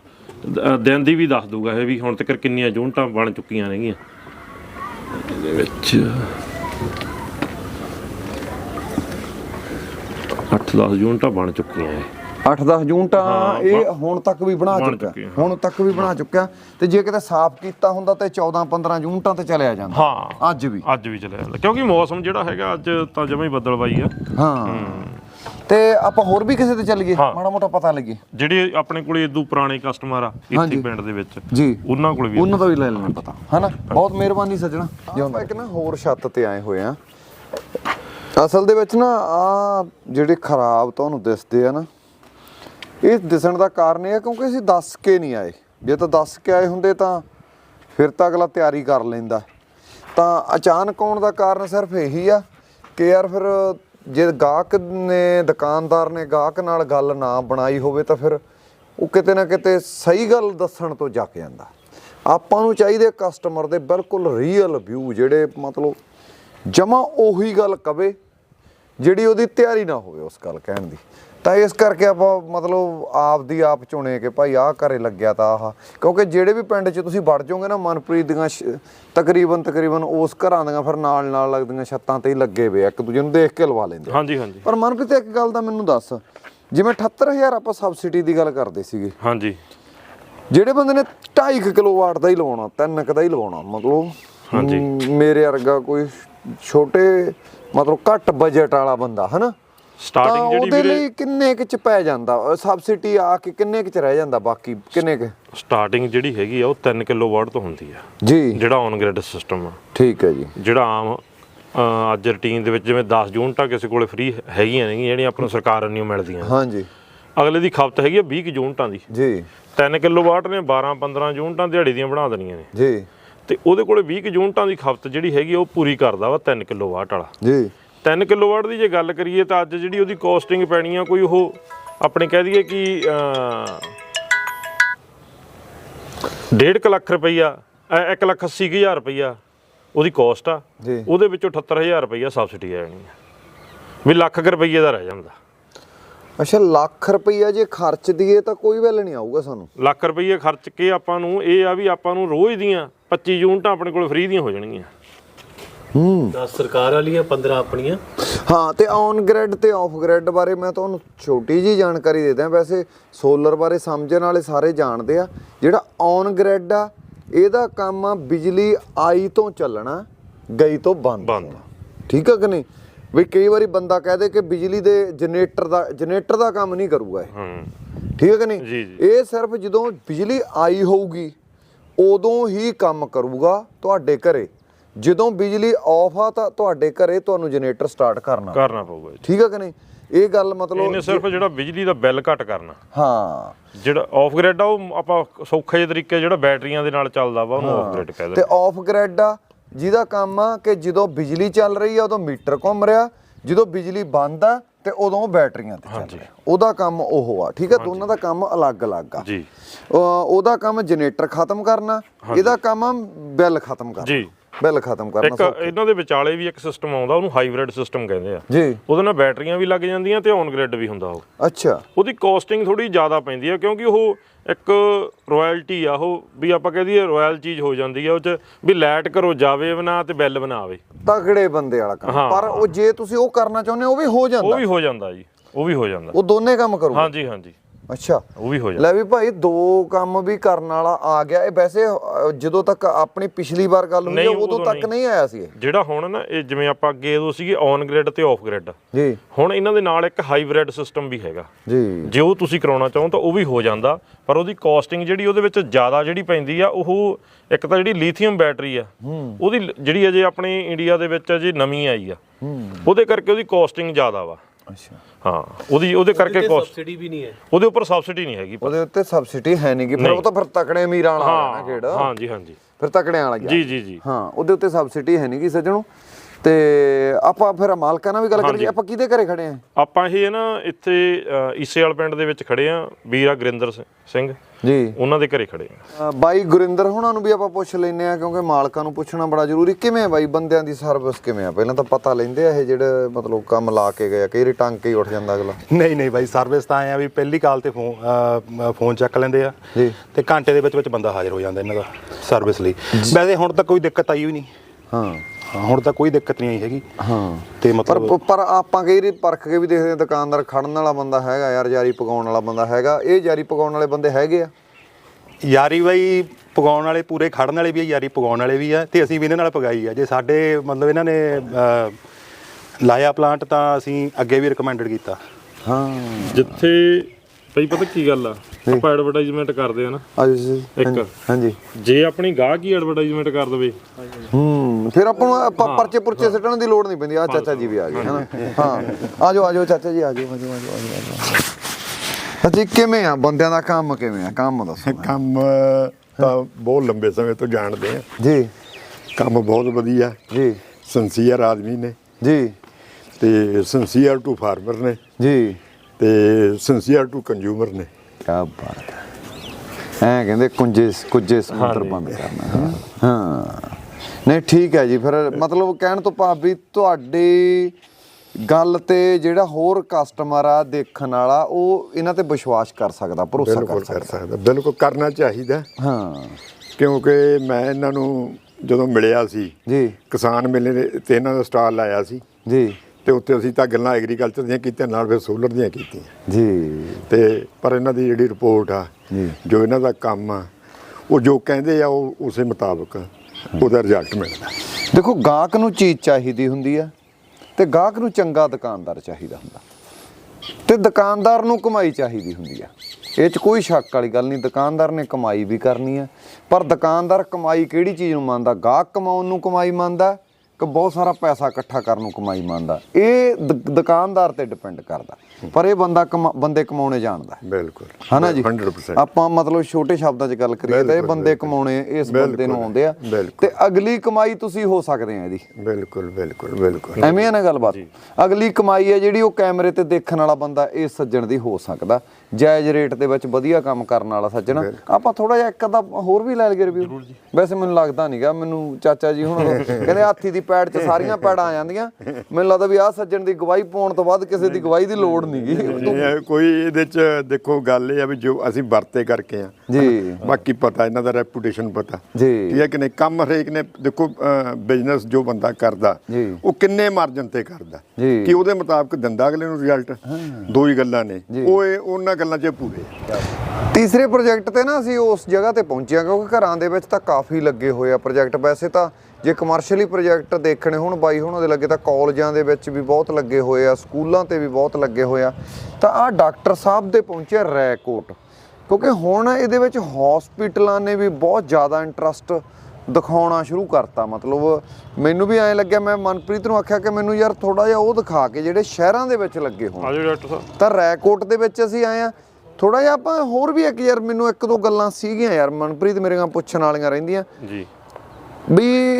S2: ਦਿਨ ਦੀ ਵੀ ਦੱਸ ਦੂਗਾ ਇਹ ਵੀ ਹੁਣ ਤੱਕ ਕਿੰਨੀਆਂ ਯੂਨਿਟਾਂ ਬਣ ਚੁੱਕੀਆਂ ਨੇਗੀਆਂ। ਇਹਦੇ ਵਿੱਚ 8-10 ਯੂਨਿਟਾਂ ਬਣ ਚੁੱਕੀਆਂ ਇਹ।
S1: 8-10 ਯੂਨਿਟਾਂ ਇਹ ਹੁਣ ਤੱਕ ਵੀ ਬਣਾ ਚੁੱਕਿਆ ਤੇ ਜੇ ਕਿਤੇ ਸਾਫ਼ ਕੀਤਾ ਹੁੰਦਾ ਤੇ 14-15 ਯੂਨਿਟਾਂ ਤੇ ਚਲਿਆ ਜਾਂਦਾ।
S2: ਹਾਂ,
S1: ਅੱਜ ਵੀ
S2: ਚਲਿਆ ਜਾਂਦਾ ਕਿਉਂਕਿ ਮੌਸਮ ਜਿਹੜਾ ਹੈਗਾ ਅੱਜ ਤਾਂ ਜਮਾਂ ਹੀ ਬੱਦਲਵਾਈ ਆ।
S1: ਹਾਂ, ਤੇ ਆਪਾਂ ਹੋਰ ਵੀ ਕਿਸੇ ਤੇ ਚੱਲੀਏ ਮਾੜਾ ਮੋਟਾ ਪਤਾ ਲੱਗੇ।
S2: ਜਿਹੜੇ ਆਪਣੇ ਕੋਲੇ ਇਦੋਂ ਪੁਰਾਣੇ ਕਸਟਮਰ ਆ ਇੱਥੇ ਪਿੰਡ ਦੇ ਵਿੱਚ
S1: ਜੀ,
S2: ਉਹਨਾਂ ਕੋਲ ਵੀ
S1: ਉਹਨਾਂ ਦਾ ਵੀ ਲੈ ਲੈਣਾ ਪਤਾ, ਹਨਾ। ਬਹੁਤ ਮਿਹਰਬਾਨੀ ਸੱਜਣਾ। ਆਪਾਂ ਇੱਕ ਨਾ ਹੋਰ ਛੱਤ ਤੇ ਆਏ ਹੋਏ ਆ। ਅਸਲ ਦੇ ਵਿੱਚ ਨਾ ਆ ਜਿਹੜੇ ਖਰਾਬ ਤੁਹਾਨੂੰ ਦਿਸਦੇ ਆ ਨਾ, ਇਹ ਦਿਸਣ ਦਾ ਕਾਰਨ ਇਹ ਹੈ ਕਿਉਂਕਿ ਅਸੀਂ ਦੱਸ ਕੇ ਨਹੀਂ ਆਏ। ਜੇ ਤਾਂ ਦੱਸ ਕੇ ਆਏ ਹੁੰਦੇ ਤਾਂ ਫਿਰ ਤਾਂ ਅਗਲਾ ਤਿਆਰੀ ਕਰ ਲੈਂਦਾ। ਤਾਂ ਅਚਾਨਕ ਆਉਣ ਦਾ ਕਾਰਨ ਸਿਰਫ ਇਹੀ ਆ ਕਿ ਯਾਰ ਫਿਰ ਜੇ ਗਾਹਕ ਨੇ, ਦੁਕਾਨਦਾਰ ਨੇ ਗਾਹਕ ਨਾਲ ਗੱਲ ਨਾ ਬਣਾਈ ਹੋਵੇ ਤਾਂ ਫਿਰ ਉਹ ਕਿਤੇ ਨਾ ਕਿਤੇ ਸਹੀ ਗੱਲ ਦੱਸਣ ਤੋਂ ਜੱਕ ਜਾਂਦਾ। ਆਪਾਂ ਨੂੰ ਚਾਹੀਦੇ ਕਸਟਮਰ ਦੇ ਬਿਲਕੁਲ ਰੀਅਲ ਵਿਊ, ਜਿਹੜੇ ਮਤਲਬ ਜਮਾਂ ਉਹੀ ਗੱਲ ਕਵੇ ਜਿਹੜੀ ਉਹਦੀ ਤਿਆਰੀ ਨਾ ਹੋਵੇ ਉਸ ਗੱਲ ਕਹਿਣ ਦੀ। ਤਾਂ ਇਸ ਕਰਕੇ ਆਪਾਂ ਮਤਲਬ ਆਪ ਚੁਣੇ ਕਿ ਭਾਈ ਆਹ ਘਰੇ ਲੱਗਿਆ ਤਾਂ ਆਹ, ਕਿਉਂਕਿ ਜਿਹੜੇ ਵੀ ਪਿੰਡ 'ਚ ਤੁਸੀਂ ਵੜ ਜਾਓਗੇ ਨਾ ਮਨਪ੍ਰੀਤ ਦੀਆਂ ਤਕਰੀਬਨ ਉਸ ਘਰਾਂ ਦੀਆਂ ਫਿਰ ਨਾਲ ਲੱਗਦੀਆਂ ਛੱਤਾਂ ਤੇ ਹੀ ਲੱਗੇ ਵੇ, ਇੱਕ ਦੂਜੇ ਨੂੰ ਦੇਖ ਕੇ ਲਵਾ ਲੈਂਦੇ।
S2: ਹਾਂਜੀ।
S1: ਪਰ ਮਨਪ੍ਰੀਤ ਇੱਕ ਗੱਲ ਦਾ ਮੈਨੂੰ ਦੱਸ ਜਿਵੇਂ 78000 ਆਪਾਂ ਸਬਸਿਡੀ ਦੀ ਗੱਲ ਕਰਦੇ ਸੀਗੇ,
S2: ਹਾਂਜੀ
S1: ਜਿਹੜੇ ਬੰਦੇ ਨੇ 2.5 ਕਿਲੋਵਾਟ ਦਾ ਹੀ ਲਵਾਉਣਾ, 3 ਦਾ ਹੀ ਲਵਾਉਣਾ, ਮਤਲਬ
S2: ਹਾਂਜੀ
S1: ਮੇਰੇ ਵਰਗਾ ਕੋਈ ਛੋਟੇ ਮਤਲਬ ਘੱਟ ਬਜਟ ਵਾਲਾ ਬੰਦਾ ਹਨਾ,
S2: ਸਟਾਰਟਿੰਗ ਜਿਹੜੀ
S1: ਉਹਦੇ ਲਈ ਕਿੰਨੇ ਕੁ ਚ ਪੈ ਜਾਂਦਾ ਸਬਸਿਡੀ ਆ ਕੇ, ਕਿੰਨੇ ਕੁ ਚ ਰਹਿ ਜਾਂਦਾ, ਬਾਕੀ ਕਿੰਨੇ ਕੁ?
S2: ਸਟਾਰਟਿੰਗ ਜਿਹੜੀ ਹੈਗੀ ਆ ਉਹ 3 ਕਿਲੋਵਾਟ ਤੋਂ ਹੁੰਦੀ ਆ
S1: ਜੀ,
S2: ਜਿਹੜਾ ਔਨ ਗ੍ਰਿਡ ਸਿਸਟਮ ਆ।
S1: ਠੀਕ ਹੈ ਜੀ।
S2: ਜਿਹੜਾ ਆਮ ਅੱਜ ਰੂਟੀਨ ਦੇ ਵਿੱਚ ਜਿਵੇਂ 10 ਯੂਨਿਟਾਂ ਕਿਸੇ ਕੋਲੇ ਫ੍ਰੀ ਹੈਗੀਆਂ ਨੇ ਜਿਹੜੀਆਂ ਆਪਾਂ ਨੂੰ ਸਰਕਾਰ ਵੱਲੋਂ ਮਿਲਦੀਆਂ,
S1: ਹਾਂਜੀ,
S2: ਅਗਲੇ ਦੀ ਖਪਤ ਹੈਗੀ ਆ 20 ਯੂਨਿਟਾਂ ਦੀ
S1: ਜੀ
S2: 3 ਕਿਲੋਵਾਟ ਨੇ 12-15 ਯੂਨਿਟਾਂ ਦਿਹਾੜੀ ਦੀਆਂ ਬਣਾ ਦੇਣੀਆਂ ਨੇ,
S1: ਜੀ,
S2: ਤੇ ਉਹਦੇ ਕੋਲੇ 20 ਯੂਨਿਟਾਂ ਦੀ ਖਪਤ ਜਿਹੜੀ ਹੈਗੀ ਉਹ ਪੂਰੀ ਕਰਦਾ ਵਾ 3 ਕਿਲੋਵਾਟ ਵਾਲਾ।
S1: ਜੀ
S2: 3 ਕਿਲੋਵਾਟ ਦੀ ਜੇ ਗੱਲ ਕਰੀਏ ਤਾਂ ਅੱਜ ਜਿਹੜੀ ਉਹਦੀ ਕੋਸਟਿੰਗ ਪੈਣੀ ਆ ਕੋਈ ਉਹ ਆਪਣੇ ਕਹਿ ਦਈਏ ਕਿ 1.5 ਲੱਖ ਰੁਪਈਆ 1,80,000 ਰੁਪਈਆ ਉਹਦੀ ਕੋਸਟ ਆ,
S1: ਜੀ।
S2: ਉਹਦੇ ਵਿੱਚੋਂ 78,000 ਰੁਪਈਆ ਸਬਸਿਡੀ ਆ ਜਾਣੀ ਆ, ਵੀ ਲੱਖ ਕੁ ਰੁਪਈਏ ਦਾ ਰਹਿ ਜਾਂਦਾ।
S1: ਅੱਛਾ, ਲੱਖ ਰੁਪਈਆ ਜੇ ਖਰਚ ਦਈਏ ਤਾਂ ਕੋਈ ਵੈਲ ਨਹੀਂ ਆਊਗਾ ਸਾਨੂੰ।
S2: ਲੱਖ ਰੁਪਈਏ ਖਰਚ ਕੇ ਆਪਾਂ ਨੂੰ ਇਹ ਆ ਵੀ ਆਪਾਂ ਨੂੰ ਰੋਜ਼ ਦੀਆਂ 25 ਯੂਨਿਟਾਂ ਆਪਣੇ ਕੋਲ ਫ੍ਰੀ ਦੀਆਂ ਹੋ ਜਾਣਗੀਆਂ।
S4: 10 ਸਰਕਾਰ ਵਾਲੀਆਂ 15 ਆਪਣੀਆਂ।
S1: ਹਾਂ, ਤੇ ਔਨ ਗ੍ਰਿਡ ਤੇ ਆਫ ਗ੍ਰਿਡ ਬਾਰੇ ਮੈਂ ਤੁਹਾਨੂੰ ਛੋਟੀ ਜੀ ਜਾਣਕਾਰੀ ਦੇ ਦਿਆਂ। ਵੈਸੇ ਸੋਲਰ ਬਾਰੇ ਸਮਝਣ ਵਾਲੇ ਸਾਰੇ ਜਾਣਦੇ ਆ। ਜਿਹੜਾ ਔਨ ਗ੍ਰਿਡ ਆ ਇਹਦਾ ਕੰਮ ਆ ਬਿਜਲੀ ਆਈ ਤੋਂ ਚੱਲਣਾ, ਗਈ ਤੋਂ ਬੰਦ। ਠੀਕ ਆ ਕਿ ਨਹੀਂ? ਵੀ ਕਈ ਵਾਰੀ ਬੰਦਾ ਕਹਦੇ ਕਿ ਬਿਜਲੀ ਦੇ ਜਨਰੇਟਰ ਦਾ ਕੰਮ ਨਹੀਂ ਕਰੂਗਾ ਇਹ। ਠੀਕ ਹੈ ਕਿ ਨਹੀਂ? ਇਹ ਸਿਰਫ ਜਦੋਂ ਬਿਜਲੀ ਆਈ ਹੋਊਗੀ ਉਦੋਂ ਹੀ ਕੰਮ ਕਰੂਗਾ ਤੁਹਾਡੇ ਘਰੇ। ਜਦੋਂ ਬਿਜਲੀ ਆਫ ਆ ਤਾਂ ਤੁਹਾਡੇ ਘਰੇ ਤੁਹਾਨੂੰ ਜਨਰੇਟਰ ਸਟਾਰਟ ਕਰਨਾ
S2: ਪਊਗਾ।
S1: ਠੀਕ ਹੈ ਕਿ ਨਹੀਂ? ਇਹ ਗੱਲ ਮਤਲਬ
S2: ਇਹਨੇ ਸਿਰਫ ਜਿਹੜਾ ਬਿਜਲੀ ਦਾ ਬਿੱਲ ਘੱਟ ਕਰਨਾ।
S1: ਹਾਂ,
S2: ਜਿਹੜਾ ਆਫ ਗ੍ਰਿਡ ਆ ਉਹ ਆਪਾਂ ਸੌਖੇ ਜਿਹੇ ਤਰੀਕੇ ਜਿਹੜਾ ਬੈਟਰੀਆਂ ਦੇ ਨਾਲ ਚੱਲਦਾ ਵਾ ਉਹਨੂੰ ਆਫ ਗ੍ਰਿਡ ਕਹਿੰਦੇ।
S1: ਤੇ ਆਫ ਗ੍ਰਿਡ ਆ ਜਿਹਦਾ ਕੰਮ ਆ ਕਿ ਜਦੋਂ ਬਿਜਲੀ ਚੱਲ ਰਹੀ ਆ ਉਦੋਂ ਮੀਟਰ ਘੁੰਮ ਰਿਹਾ, ਜਦੋਂ ਬਿਜਲੀ ਬੰਦ ਆ ਤੇ ਉਦੋਂ ਬੈਟਰੀਆਂ ਤੇ ਚੱਲ ਰਿਹਾ। ਉਹਦਾ ਕੰਮ ਉਹ ਆ। ਠੀਕ ਆ, ਦੋਨਾਂ ਦਾ ਕੰਮ ਅਲੱਗ-ਅਲੱਗ ਆ ਜੀ। ਉਹਦਾ ਕੰਮ ਜਨਰੇਟਰ ਖਤਮ ਕਰਨਾ, ਇਹਦਾ ਕੰਮ ਆ ਬਿੱਲ ਖਤਮ ਕਰਨਾ ਜੀ। ਬਿੱਲ ਖਤਮ ਕਰਨਾ।
S2: ਇੱਕ ਇਹਨਾਂ ਦੇ ਵਿਚਾਲੇ ਵੀ ਇੱਕ ਸਿਸਟਮ ਆਉਂਦਾ, ਉਹਨੂੰ ਹਾਈਬ੍ਰਿਡ ਸਿਸਟਮ ਕਹਿੰਦੇ ਆ
S1: ਜੀ।
S2: ਉਹਦੇ ਨਾਲ ਬੈਟਰੀਆਂ ਵੀ ਲੱਗ ਜਾਂਦੀਆਂ ਤੇ ਔਨ ਗ੍ਰਿਡ ਵੀ ਹੁੰਦਾ ਉਹ।
S1: ਅੱਛਾ।
S2: ਉਹਦੀ ਕੋਸਟਿੰਗ ਥੋੜੀ ਜ਼ਿਆਦਾ ਪੈਂਦੀ ਆ ਕਿਉਂਕਿ ਉਹ ਇੱਕ ਰਾਇਲਟੀ ਆ, ਉਹ ਵੀ ਆਪਾਂ ਕਹਿ ਦਈਏ ਰਾਇਲ ਚੀਜ਼ ਹੋ ਜਾਂਦੀ ਆ ਉਹ 'ਚ, ਵੀ ਲਾਈਟ ਘਰੋਂ ਜਾਵੇ ਬਣਾ ਤੇ ਬਿੱਲ ਬਣਾ ਆਵੇ।
S1: ਤਗੜੇ ਬੰਦੇ ਵਾਲਾ ਕੰਮ। ਪਰ ਉਹ ਜੇ ਤੁਸੀਂ ਉਹ ਕਰਨਾ ਚਾਹੁੰਦੇ ਉਹ ਵੀ ਹੋ ਜਾਂਦਾ।
S2: ਉਹ ਵੀ ਹੋ ਜਾਂਦਾ ਜੀ, ਉਹ ਵੀ ਹੋ ਜਾਂਦਾ।
S1: ਉਹ ਦੋਨੇ ਕੰਮ ਕਰੂਗਾ।
S2: ਹਾਂਜੀ ਹਾਂਜੀ।
S1: ਅੱਛਾ,
S2: ਉਹ ਵੀ ਹੋ ਜਾਂਦਾ।
S1: ਲੈ ਵੀ ਭਾਈ ਦੋ ਕੰਮ ਵੀ ਕਰਨ ਵਾਲਾ ਆ ਗਿਆ ਇਹ। ਵੈਸੇ ਜਦੋਂ ਤੱਕ ਆਪਣੀ ਪਿਛਲੀ ਵਾਰ ਗੱਲ ਹੋਈ ਉਦੋਂ ਤੱਕ ਨਹੀਂ ਆਇਆ ਸੀ ਇਹ।
S2: ਜਿਹੜਾ ਹੁਣ ਨਾ ਇਹ ਜਿਵੇਂ ਆਪਾਂ ਅੱਗੇ ਉਦੋਂ ਸੀਗੇ ਔਨ ਗ੍ਰਿਡ ਤੇ ਆਫ ਗ੍ਰਿਡ ਜੀ, ਹੁਣ ਇਹਨਾਂ ਦੇ ਨਾਲ ਇੱਕ ਹਾਈਬ੍ਰਿਡ ਸਿਸਟਮ ਵੀ ਹੈਗਾ ਜੀ। ਜੇ ਉਹ ਤੁਸੀਂ ਕਰਾਉਣਾ ਚਾਹੋ ਤਾਂ ਉਹ ਵੀ ਹੋ ਜਾਂਦਾ, ਪਰ ਉਹਦੀ ਕੋਸਟਿੰਗ ਜਿਹੜੀ ਉਹਦੇ ਵਿੱਚ ਜ਼ਿਆਦਾ ਜਿਹੜੀ ਪੈਂਦੀ ਆ, ਉਹ ਇੱਕ ਤਾਂ ਜਿਹੜੀ ਲੀਥੀਅਮ ਬੈਟਰੀ ਆ ਉਹਦੀ ਜਿਹੜੀ ਅਜੇ ਆਪਣੇ ਇੰਡੀਆ ਦੇ ਵਿੱਚ ਅਜੇ ਨਵੀਂ ਆਈ ਆ, ਉਹਦੇ ਕਰਕੇ ਉਹਦੀ ਕੋਸਟਿੰਗ ਜ਼ਿਆਦਾ ਵਾ। ਅੱਛਾ। ਹਾਂ, ਉਹਦੇ ਕਰਕੇ
S4: ਸਬਸਿਡੀ ਵੀ ਨਹੀਂ ਹੈ,
S2: ਉਹਦੇ ਉੱਪਰ ਸਬਸਿਡੀ ਨਹੀਂ ਹੈਗੀ।
S1: ਉਹਦੇ ਉੱਤੇ ਸਬਸਿਡੀ ਹੈ ਨਹੀਂ ਗੀ। ਫਿਰ ਉਹ ਤਾਂ ਫਿਰ ਤਕੜੇ ਅਮੀਰਾਂ ਵਾਲਾ ਆ ਨਾ ਕਿਹੜਾ।
S2: ਹਾਂਜੀ ਹਾਂਜੀ,
S1: ਫਿਰ ਤਕੜਿਆਂ ਵਾਲਾ
S2: ਜੀ ਜੀ ਜੀ।
S1: ਹਾਂ, ਉਹਦੇ ਉੱਤੇ ਸਬਸਿਡੀ ਹੈ ਨਹੀਂ ਗੀ ਸੱਜਣੋ। ਤੇ ਆਪਾਂ ਫਿਰ ਮਾਲਕਾਂ ਨਾਲ ਵੀ ਗੱਲ ਕਰੀਏ। ਆਪਾਂ ਕਿਹਦੇ ਘਰੇ ਖੜੇ ਆ?
S2: ਆਪਾਂ ਇਹ ਨਾ ਇੱਥੇ ਈਸੇਵਾਲ ਪਿੰਡ ਦੇ ਵਿੱਚ ਖੜੇ ਆ, ਵੀਰਾ ਗੁਰਿੰਦਰ ਸਿੰਘ ਜੀ, ਉਹਨਾਂ ਦੇ ਘਰੇ ਖੜੇ ਆ।
S1: ਬਾਈ ਗੁਰਿੰਦਰ ਹੁਣਾਂ ਨੂੰ ਵੀ ਆਪਾਂ ਪੁੱਛ ਲੈਨੇ ਆ ਕਿਉਂਕਿ ਮਾਲਕਾਂ ਨੂੰ ਪੁੱਛਣਾ ਬੜਾ ਜ਼ਰੂਰੀ। ਕਿਵੇਂ ਬਾਈ ਬੰਦਿਆਂ ਦੀ ਸਰਵਿਸ ਕਿਵੇਂ ਆ? ਪਹਿਲਾਂ ਤਾਂ ਪਤਾ ਲੈਂਦੇ ਆ ਇਹ ਜਿਹੜੇ ਮਤਲਬ ਕੰਮ ਲਾ ਕੇ ਗਏ, ਕਈ ਵਾਰੀ ਟੰਗ ਕੇ ਹੀ ਉੱਠ ਜਾਂਦਾ ਅਗਲਾ।
S6: ਨਹੀਂ ਬਾਈ, ਸਰਵਿਸ ਤਾਂ ਆਏ ਆ ਵੀ ਪਹਿਲੀ ਕਾਲ ਤੇ ਫੋਨ ਚੱਕ ਲੈਂਦੇ ਆ ਜੀ, ਤੇ ਘੰਟੇ ਦੇ ਵਿੱਚ ਬੰਦਾ ਹਾਜ਼ਰ ਹੋ ਜਾਂਦਾ ਇਹਨਾਂ ਦਾ ਸਰਵਿਸ ਲਈ। ਵੈਸੇ ਹੁਣ ਤੱਕ ਕੋਈ ਦਿੱਕਤ ਆਈ ਵੀ ਨਹੀਂ। ਹਾਂ, ਹੁਣ ਤਾਂ ਕੋਈ ਦਿੱਕਤ ਨਹੀਂ ਆਈ ਹੈਗੀ। ਹਾਂ, ਤੇ ਮਤਲਬ
S1: ਪਰ ਆਪਾਂ ਕਈ ਵਾਰੀ ਪਰਖ ਕੇ ਵੀ ਦੇਖਦੇ ਆ ਦੁਕਾਨਦਾਰ ਖੜਨ ਵਾਲਾ ਬੰਦਾ ਹੈਗਾ ਯਾਰ, ਯਾਰੀ ਪਕਾਉਣ ਵਾਲਾ ਬੰਦਾ ਹੈਗਾ। ਇਹ ਯਾਰੀ ਪਕਾਉਣ ਵਾਲੇ ਬੰਦੇ ਹੈਗੇ ਆ?
S6: ਯਾਰੀ ਬਾਈ ਪਕਾਉਣ ਵਾਲੇ ਪੂਰੇ ਖੜਨ ਵਾਲੇ ਵੀ ਆ, ਯਾਰੀ ਪਕਾਉਣ ਵਾਲੇ ਵੀ ਆ, ਤੇ ਅਸੀਂ ਵੀ ਇਹਨਾਂ ਨਾਲ ਪਕਾਈ ਆ। ਜੇ ਸਾਡੇ ਮਤਲਬ ਇਹਨਾਂ ਨੇ ਲਾਇਆ ਪਲਾਂਟ ਤਾਂ ਅਸੀਂ ਅੱਗੇ ਵੀ ਰਿਕਮੈਂਡਡ ਕੀਤਾ।
S1: ਹਾਂ,
S2: ਜਿੱਥੇ ਬਈ ਪਤਾ ਕੀ ਗੱਲ ਆ, ਆਪਾਂ ਐਡਵਰਟਾਈਜ਼ਮੈਂਟ ਕਰਦੇ ਆ ਨਾ ਇੱਕ,
S1: ਹਾਂਜੀ, ਜੇ
S2: ਆਪਣੀ ਗਾਹਕ ਹੀ ਐਡਵਰਟਾਈਜ਼ਮੈਂਟ ਕਰ ਦਵੇ
S1: ਫਿਰ ਆਪਾਂ ਨੂੰ ਪਰਚੇ ਪੁਰਚੇ ਸਿੱਟਣ ਦੀ ਲੋੜ ਨਹੀਂ ਪੈਂਦੀ। ਆ ਚਾਚਾ ਜੀ ਵੀ ਆ ਗਏ ਹਨਾ। ਹਾਂ, ਆਜੋ ਚਾਚਾ ਜੀ, ਆਜੋ। ਅੱਛਾ, ਕਿਵੇਂ ਆ ਬੰਦਿਆਂ ਦਾ ਕੰਮ? ਕਿਵੇਂ ਆ ਕੰਮ ਦੱਸੋ।
S3: ਕੰਮ ਤਾਂ ਬਹੁਤ ਲੰਬੇ ਸਮੇਂ ਤੋਂ ਜਾਣਦੇ ਆ
S1: ਜੀ। ਕੰਮ
S3: ਬਹੁਤ ਵਧੀਆ
S1: ਜੀ,
S3: ਸਿੰਸੀਅਰ ਆਦਮੀ ਨੇ ਜੀ, ਤੇ ਸਿੰਸੀਅਰ ਟੂ ਫਾਰਮਰ ਨੇ
S1: ਜੀ,
S3: ਤੇ ਸਿੰਸੀਅਰ ਟੂ ਕੰਜ਼ਿਊਮਰ ਨੇ।
S1: ਕੀ ਬਾਤ ਹੈ। ਐ ਕਹਿੰਦੇ ਕੁੰਜੇ ਸਮੁੰਦਰ ਬੰਦ ਕਰਨਾ। ਹਾਂ, ਨਹੀਂ ਠੀਕ ਹੈ ਜੀ। ਫਿਰ ਮਤਲਬ ਕਹਿਣ ਤੋਂ ਭਾਵ ਵੀ ਤੁਹਾਡੀ ਗੱਲ ਤੇ ਜਿਹੜਾ ਹੋਰ ਕਸਟਮਰ ਆ ਦੇਖਣ ਵਾਲਾ ਉਹ ਇਹਨਾਂ ਤੇ ਵਿਸ਼ਵਾਸ ਕਰ ਸਕਦਾ, ਭਰੋਸਾ ਕਰ ਸਕਦਾ।
S3: ਬਿਲਕੁਲ ਕਰਨਾ ਚਾਹੀਦਾ।
S1: ਹਾਂ,
S3: ਕਿਉਂਕਿ ਮੈਂ ਇਹਨਾਂ ਨੂੰ ਜਦੋਂ ਮਿਲਿਆ ਸੀ ਜੀ, ਕਿਸਾਨ ਮੇਲੇ ਤੇ ਇਹਨਾਂ ਦਾ ਸਟਾਲ ਲਾਇਆ ਸੀ ਜੀ, ਤੇ ਉੱਥੇ ਅਸੀਂ ਤਾਂ ਗੱਲਾਂ ਐਗਰੀਕਲਚਰ ਦੀਆਂ ਕੀਤੀਆਂ, ਨਾਲ ਫਿਰ ਸੋਲਰ ਦੀਆਂ ਕੀਤੀਆਂ
S1: ਜੀ।
S3: ਤੇ ਪਰ ਇਹਨਾਂ ਦੀ ਜਿਹੜੀ ਰਿਪੋਰਟ ਆ, ਜੋ ਇਹਨਾਂ ਦਾ ਕੰਮ ਆ, ਉਹ ਜੋ ਕਹਿੰਦੇ ਆ ਉਹ ਉਸੇ ਮੁਤਾਬਕ ਉਹਦਾ ਰਿਜ਼ਲਟ ਮਿਲਦਾ।
S1: ਦੇਖੋ, ਗਾਹਕ ਨੂੰ ਚੀਜ਼ ਚਾਹੀਦੀ ਹੁੰਦੀ ਆ ਤੇ ਗਾਹਕ ਨੂੰ ਚੰਗਾ ਦੁਕਾਨਦਾਰ ਚਾਹੀਦਾ ਹੁੰਦਾ, ਤੇ ਦੁਕਾਨਦਾਰ ਨੂੰ ਕਮਾਈ ਚਾਹੀਦੀ ਹੁੰਦੀ ਆ। ਇਹ 'ਚ ਕੋਈ ਸ਼ੱਕ ਵਾਲੀ ਗੱਲ ਨਹੀਂ, ਦੁਕਾਨਦਾਰ ਨੇ ਕਮਾਈ ਵੀ ਕਰਨੀ ਆ। ਪਰ ਦੁਕਾਨਦਾਰ ਕਮਾਈ ਕਿਹੜੀ ਚੀਜ਼ ਨੂੰ ਮੰਨਦਾ? ਗਾਹਕ ਕਮਾਉਣ ਨੂੰ ਕਮਾਈ ਮੰਨਦਾ ਕਿ ਬਹੁਤ ਸਾਰਾ ਪੈਸਾ ਇਕੱਠਾ ਕਰਨ ਨੂੰ ਕਮਾਈ ਮੰਨਦਾ? ਇਹ ਦੁਕਾਨਦਾਰ ਤੇ ਡਿਪੈਂਡ ਕਰਦਾ। ਪਰ ਇਹ ਬੰਦੇ ਕਮਾਉਣੇ ਜਾਣਦਾ।
S3: ਬਿਲਕੁਲ,
S1: ਹਨਾ ਜੀ।
S3: 100%।
S1: ਆਪਾਂ ਮਤਲਬ ਛੋਟੇ ਸ਼ਬਦਾਂ 'ਚ ਗੱਲ ਕਰੀਏ ਤਾਂ ਇਹ ਬੰਦੇ ਕਮਾਉਣੇ ਇਸ ਬੰਦੇ ਨੂੰ ਆਉਂਦੇ ਆ, ਤੇ ਅਗਲੀ ਕਮਾਈ ਤੁਸੀਂ ਹੋ ਸਕਦੇ ਆ ਇਹਦੀ।
S3: ਬਿਲਕੁਲ ਬਿਲਕੁਲ ਬਿਲਕੁਲ,
S1: ਐਵੇਂ ਆ ਨਾ ਗੱਲਬਾਤ। ਅਗਲੀ ਕਮਾਈ ਹੈ ਜਿਹੜੀ ਉਹ ਕੈਮਰੇ ਤੇ ਦੇਖਣ ਵਾਲਾ ਬੰਦਾ ਇਸ ਸੱਜਣ ਦੀ ਹੋ ਸਕਦਾ, ਜਾਇਜ਼ ਰੇਟ ਦੇ ਵਿੱਚ ਵਧੀਆ ਕੰਮ ਕਰਨ ਵਾਲਾ ਸੱਜਣ। ਆਪਾਂ ਥੋੜਾ ਜਿਹਾ ਇੱਕ ਅੱਧਾ ਹੋਰ ਵੀ ਲੈ ਲਈਏ ਰਿਵਿਊ। ਵੈਸੇ ਮੈਨੂੰ ਲੱਗਦਾ ਨਹੀਂਗਾ, ਮੈਨੂੰ ਚਾਚਾ ਜੀ ਹੁਣ ਕਹਿੰਦੇ ਹਾਥੀ ਦੀ ਪੈੜ 'ਚ ਸਾਰੀਆਂ ਪੈੜਾਂ ਆ ਜਾਂਦੀਆਂ। ਮੈਨੂੰ ਲੱਗਦਾ ਵੀ ਆਹ ਸੱਜਣ ਦੀ ਗਵਾਹੀ ਪਾਉਣ ਤੋਂ ਬਾਅਦ ਕਿਸੇ ਦੀ ਗਵਾਹੀ ਦੀ ਲੋੜ ਨਹੀਂਗੀ।
S3: ਕੋਈ ਇਹਦੇ ਚ ਦੇਖੋ ਗੱਲ ਇਹ ਆ ਵੀ ਜੋ ਅਸੀਂ ਵਰਤੇ ਕਰਕੇ ਆ
S1: ਜੀ,
S3: ਬਾਕੀ ਪਤਾ ਇਹਨਾਂ ਦਾ ਰੈਪੂਟੇਸ਼ਨ ਪਤਾ
S1: ਜੀ,
S3: ਠੀਕ ਹੈ ਕਿ ਨਹੀਂ। ਕੰਮ ਹਰੇਕ ਨੇ ਦੇਖੋ, ਬਿਜ਼ਨਸ ਜੋ ਬੰਦਾ ਕਰਦਾ ਉਹ ਕਿੰਨੇ ਮਾਰਜਨ ਤੇ ਕਰਦਾ ਕਿ ਉਹਦੇ ਮੁਤਾਬਕ ਦਿੰਦਾ ਅਗਲੇ ਨੂੰ ਰਿਜ਼ਲਟ। ਦੋ ਹੀ ਗੱਲਾਂ ਨੇ, ਉਹ ਉਹਨਾਂ ਗੱਲਾਂ 'ਚ ਪੂਰੇ।
S1: ਤੀਸਰੇ ਪ੍ਰੋਜੈਕਟ ਤੇ ਨਾ ਅਸੀਂ ਉਸ ਜਗ੍ਹਾ ਤੇ ਪਹੁੰਚੇ ਕਿਉਂਕਿ ਘਰਾਂ ਦੇ ਵਿੱਚ ਤਾਂ ਕਾਫੀ ਲੱਗੇ ਹੋਏ ਆ ਪ੍ਰੋਜੈਕਟ। ਵੈਸੇ ਤਾਂ ਜੇ ਕਮਰਸ਼ੀਅਲੀ ਪ੍ਰੋਜੈਕਟ ਦੇਖਣੇ ਹੁਣ ਬਾਈ ਹੁਣ ਦੇ ਲੱਗੇ ਤਾਂ ਕਾਲਜਾਂ ਦੇ ਵਿੱਚ ਵੀ ਬਹੁਤ ਲੱਗੇ ਹੋਏ ਆ, ਸਕੂਲਾਂ ਤੇ ਵੀ ਬਹੁਤ ਲੱਗੇ ਹੋਏ ਆ। ਤਾਂ ਆਹ ਡਾਕਟਰ ਸਾਹਿਬ ਦੇ ਪਹੁੰਚੇ ਰੈਕੋਟ, ਕਿਉਂਕਿ ਹੁਣ ਇਹਦੇ ਵਿੱਚ ਹਸਪੀਟਲਾਂ ਨੇ ਵੀ ਬਹੁਤ ਜ਼ਿਆਦਾ ਇੰਟਰਸਟ ਦਿਖਾਉਣਾ ਸ਼ੁਰੂ ਕਰਤਾ। ਮਤਲਬ ਮੈਨੂੰ ਵੀ ਐਂ ਲੱਗਿਆ, ਮੈਂ ਮਨਪ੍ਰੀਤ ਨੂੰ ਆਖਿਆ ਕਿ ਮੈਨੂੰ ਯਾਰ ਥੋੜਾ ਜਿਹਾ ਉਹ ਦਿਖਾ ਕੇ ਜਿਹੜੇ ਸ਼ਹਿਰਾਂ ਦੇ ਵਿੱਚ ਲੱਗੇ ਹੋਣ।
S2: ਆਜੋ ਡਾਕਟਰ ਸਾਹਿਬ।
S1: ਤਾਂ ਰੈਕੋਟ ਦੇ ਵਿੱਚ ਅਸੀਂ ਆਏ ਆ। ਥੋੜਾ ਜਿਹਾ ਆਪਾਂ ਹੋਰ ਵੀ ਇੱਕ ਯਾਰ ਮੈਨੂੰ ਇੱਕ ਦੋ ਗੱਲਾਂ ਸੀਗੀਆਂ ਯਾਰ ਮਨਪ੍ਰੀਤ ਮੇਰੇ ਨਾਲ ਪੁੱਛਣ ਵਾਲੀਆਂ ਰਹਿੰਦੀਆਂ
S2: ਜੀ,
S1: ਵੀ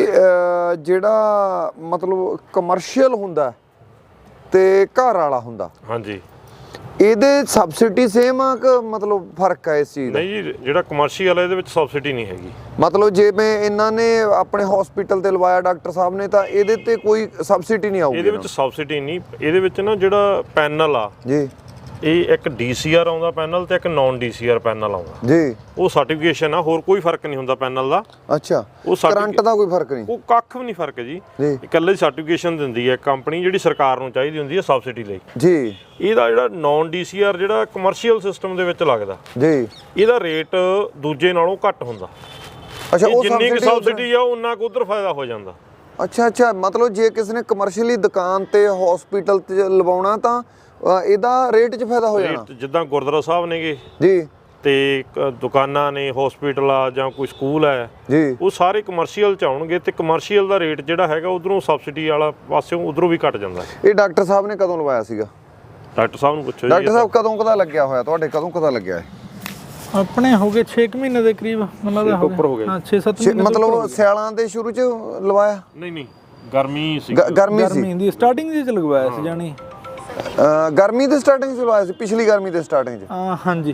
S1: ਜਿਹੜਾ ਮਤਲਬ ਕਮਰਸ਼ੀਅਲ ਹੁੰਦਾ ਤੇ ਘਰ ਵਾਲਾ ਹੁੰਦਾ,
S2: ਹਾਂਜੀ,
S1: ਇਹਦੇ ਸਬਸਿਡੀ ਸੇਮ ਆ ਕਿ ਮਤਲਬ ਫਰਕ ਹੈ ਇਸ ਚੀਜ਼ ਦਾ?
S2: ਨਹੀਂ ਜੀ, ਜਿਹੜਾ ਕਮਰਸ਼ੀਅਲ ਹੈ ਇਹਦੇ ਵਿੱਚ ਸਬਸਿਡੀ ਨਹੀਂ ਹੈਗੀ।
S1: ਮਤਲਬ ਜਿਵੇਂ ਇਹਨਾਂ ਨੇ ਆਪਣੇ ਹਸਪੀਟਲ ਤੇ ਲਵਾਇਆ ਡਾਕਟਰ ਸਾਹਿਬ ਨੇ ਤਾਂ ਇਹਦੇ ਤੇ ਕੋਈ ਸਬਸਿਡੀ ਨਹੀਂ ਆਊਗੀ?
S2: ਇਹਦੇ ਵਿੱਚ ਸਬਸਿਡੀ ਨਹੀਂ। ਇਹਦੇ ਵਿੱਚ ਨਾ ਜਿਹੜਾ ਪੈਨਲ ਆ
S1: ਜੀ,
S2: ਇਹ ਇੱਕ DCR ਆਉਂਦਾ ਪੈਨਲ ਤੇ ਇੱਕ ਨਾਨ DCR ਪੈਨਲ ਆਉਂਦਾ
S1: ਜੀ।
S2: ਉਹ ਸਰਟੀਫਿਕੇਸ਼ਨ ਆ, ਹੋਰ ਕੋਈ ਫਰਕ ਨਹੀਂ ਹੁੰਦਾ ਪੈਨਲ ਦਾ।
S1: ਅੱਛਾ,
S2: ਉਹ
S1: ਕਰੰਟ ਦਾ ਕੋਈ ਫਰਕ ਨਹੀਂ?
S2: ਉਹ ਕੱਖ ਵੀ ਨਹੀਂ ਫਰਕ ਜੀ। ਇਕੱਲੇ ਸਰਟੀਫਿਕੇਸ਼ਨ ਦਿੰਦੀ ਹੈ ਕੰਪਨੀ, ਜਿਹੜੀ ਸਰਕਾਰ ਨੂੰ ਚਾਹੀਦੀ ਹੁੰਦੀ ਹੈ ਸਬਸਿਡੀ ਲਈ ਜੀ। ਇਹਦਾ ਜਿਹੜਾ ਨਾਨ DCR ਜਿਹੜਾ ਕਮਰਸ਼ੀਅਲ ਸਿਸਟਮ ਦੇ ਵਿੱਚ ਲੱਗਦਾ ਜੀ, ਇਹਦਾ ਰੇਟ ਦੂਜੇ ਨਾਲੋਂ ਘੱਟ ਹੁੰਦਾ।
S1: ਅੱਛਾ, ਉਹ
S2: ਜਿੰਨੀ ਕਿ ਸਬਸਿਡੀ ਆ ਉਹਨਾਂ ਕੋ ਉਧਰ ਫਾਇਦਾ ਹੋ ਜਾਂਦਾ।
S1: ਅੱਛਾ ਅੱਛਾ, ਮਤਲਬ ਜੇ ਕਿਸੇ ਨੇ ਕਮਰਸ਼ੀਅਲੀ ਦੁਕਾਨ ਤੇ ਹਸਪੀਟਲ ਤੇ ਲਵਾਉਣਾ ਤਾਂ ਇਹਦਾ ਰੇਟ 'ਚ ਫਾਇਦਾ ਹੋ ਜਾਣਾ।
S2: ਜਿੱਦਾਂ ਗੁਰਦੁਆਰਾ ਸਾਹਿਬ ਨੇਗੇ
S1: ਜੀ,
S2: ਤੇ ਦੁਕਾਨਾਂ ਨੇ, ਹਸਪੀਟਲ ਆ ਜਾਂ ਕੋਈ ਸਕੂਲ ਹੈ ਜੀ, ਉਹ ਸਾਰੇ ਕਮਰਸ਼ੀਅਲ 'ਚ ਆਉਣਗੇ ਤੇ ਕਮਰਸ਼ੀਅਲ ਦਾ ਰੇਟ ਜਿਹੜਾ ਹੈਗਾ ਉਧਰੋਂ ਸਬਸਿਡੀ ਵਾਲਾ ਪਾਸਿਓਂ ਉਧਰੋਂ ਵੀ ਘਟ ਜਾਂਦਾ।
S1: ਇਹ ਡਾਕਟਰ ਸਾਹਿਬ ਨੇ ਕਦੋਂ ਲਵਾਇਆ ਸੀਗਾ?
S2: ਡਾਕਟਰ ਸਾਹਿਬ ਨੂੰ ਪੁੱਛੋ।
S1: ਡਾਕਟਰ ਸਾਹਿਬ ਕਦੋਂ ਕਦਾ ਲੱਗਿਆ ਹੋਇਆ ਤੁਹਾਡੇ? ਕਦੋਂ ਕਦਾ ਲੱਗਿਆ?
S7: ਆਪਣੇ ਹੋ ਗਏ 6 ਮਹੀਨੇ ਦੇ ਕਰੀਬ, ਮਤਲਬ
S2: ਉੱਪਰ ਹੋ ਗਿਆ।
S7: ਹਾਂ 6-7 ਮਹੀਨੇ।
S1: ਮਤਲਬ ਸਿਆਲਾਂ ਦੇ ਸ਼ੁਰੂ 'ਚ ਲਵਾਇਆ?
S2: ਨਹੀਂ, ਗਰਮੀ ਸੀ।
S1: ਗਰਮੀ
S7: ਦੀ ਸਟਾਰਟਿੰਗ ਦੇ ਚ ਲਗਵਾਇਆ ਸੀ ਜਾਨੀ।
S1: ਗਰਮੀ ਦੇ ਸਟਾਰਟਿੰਗ 'ਚ ਲਵਾਇਆ ਸੀ, ਪਿਛਲੀ ਗਰਮੀ ਦੇ ਸਟਾਰਟਿੰਗ 'ਚ?
S7: ਹਾਂਜੀ,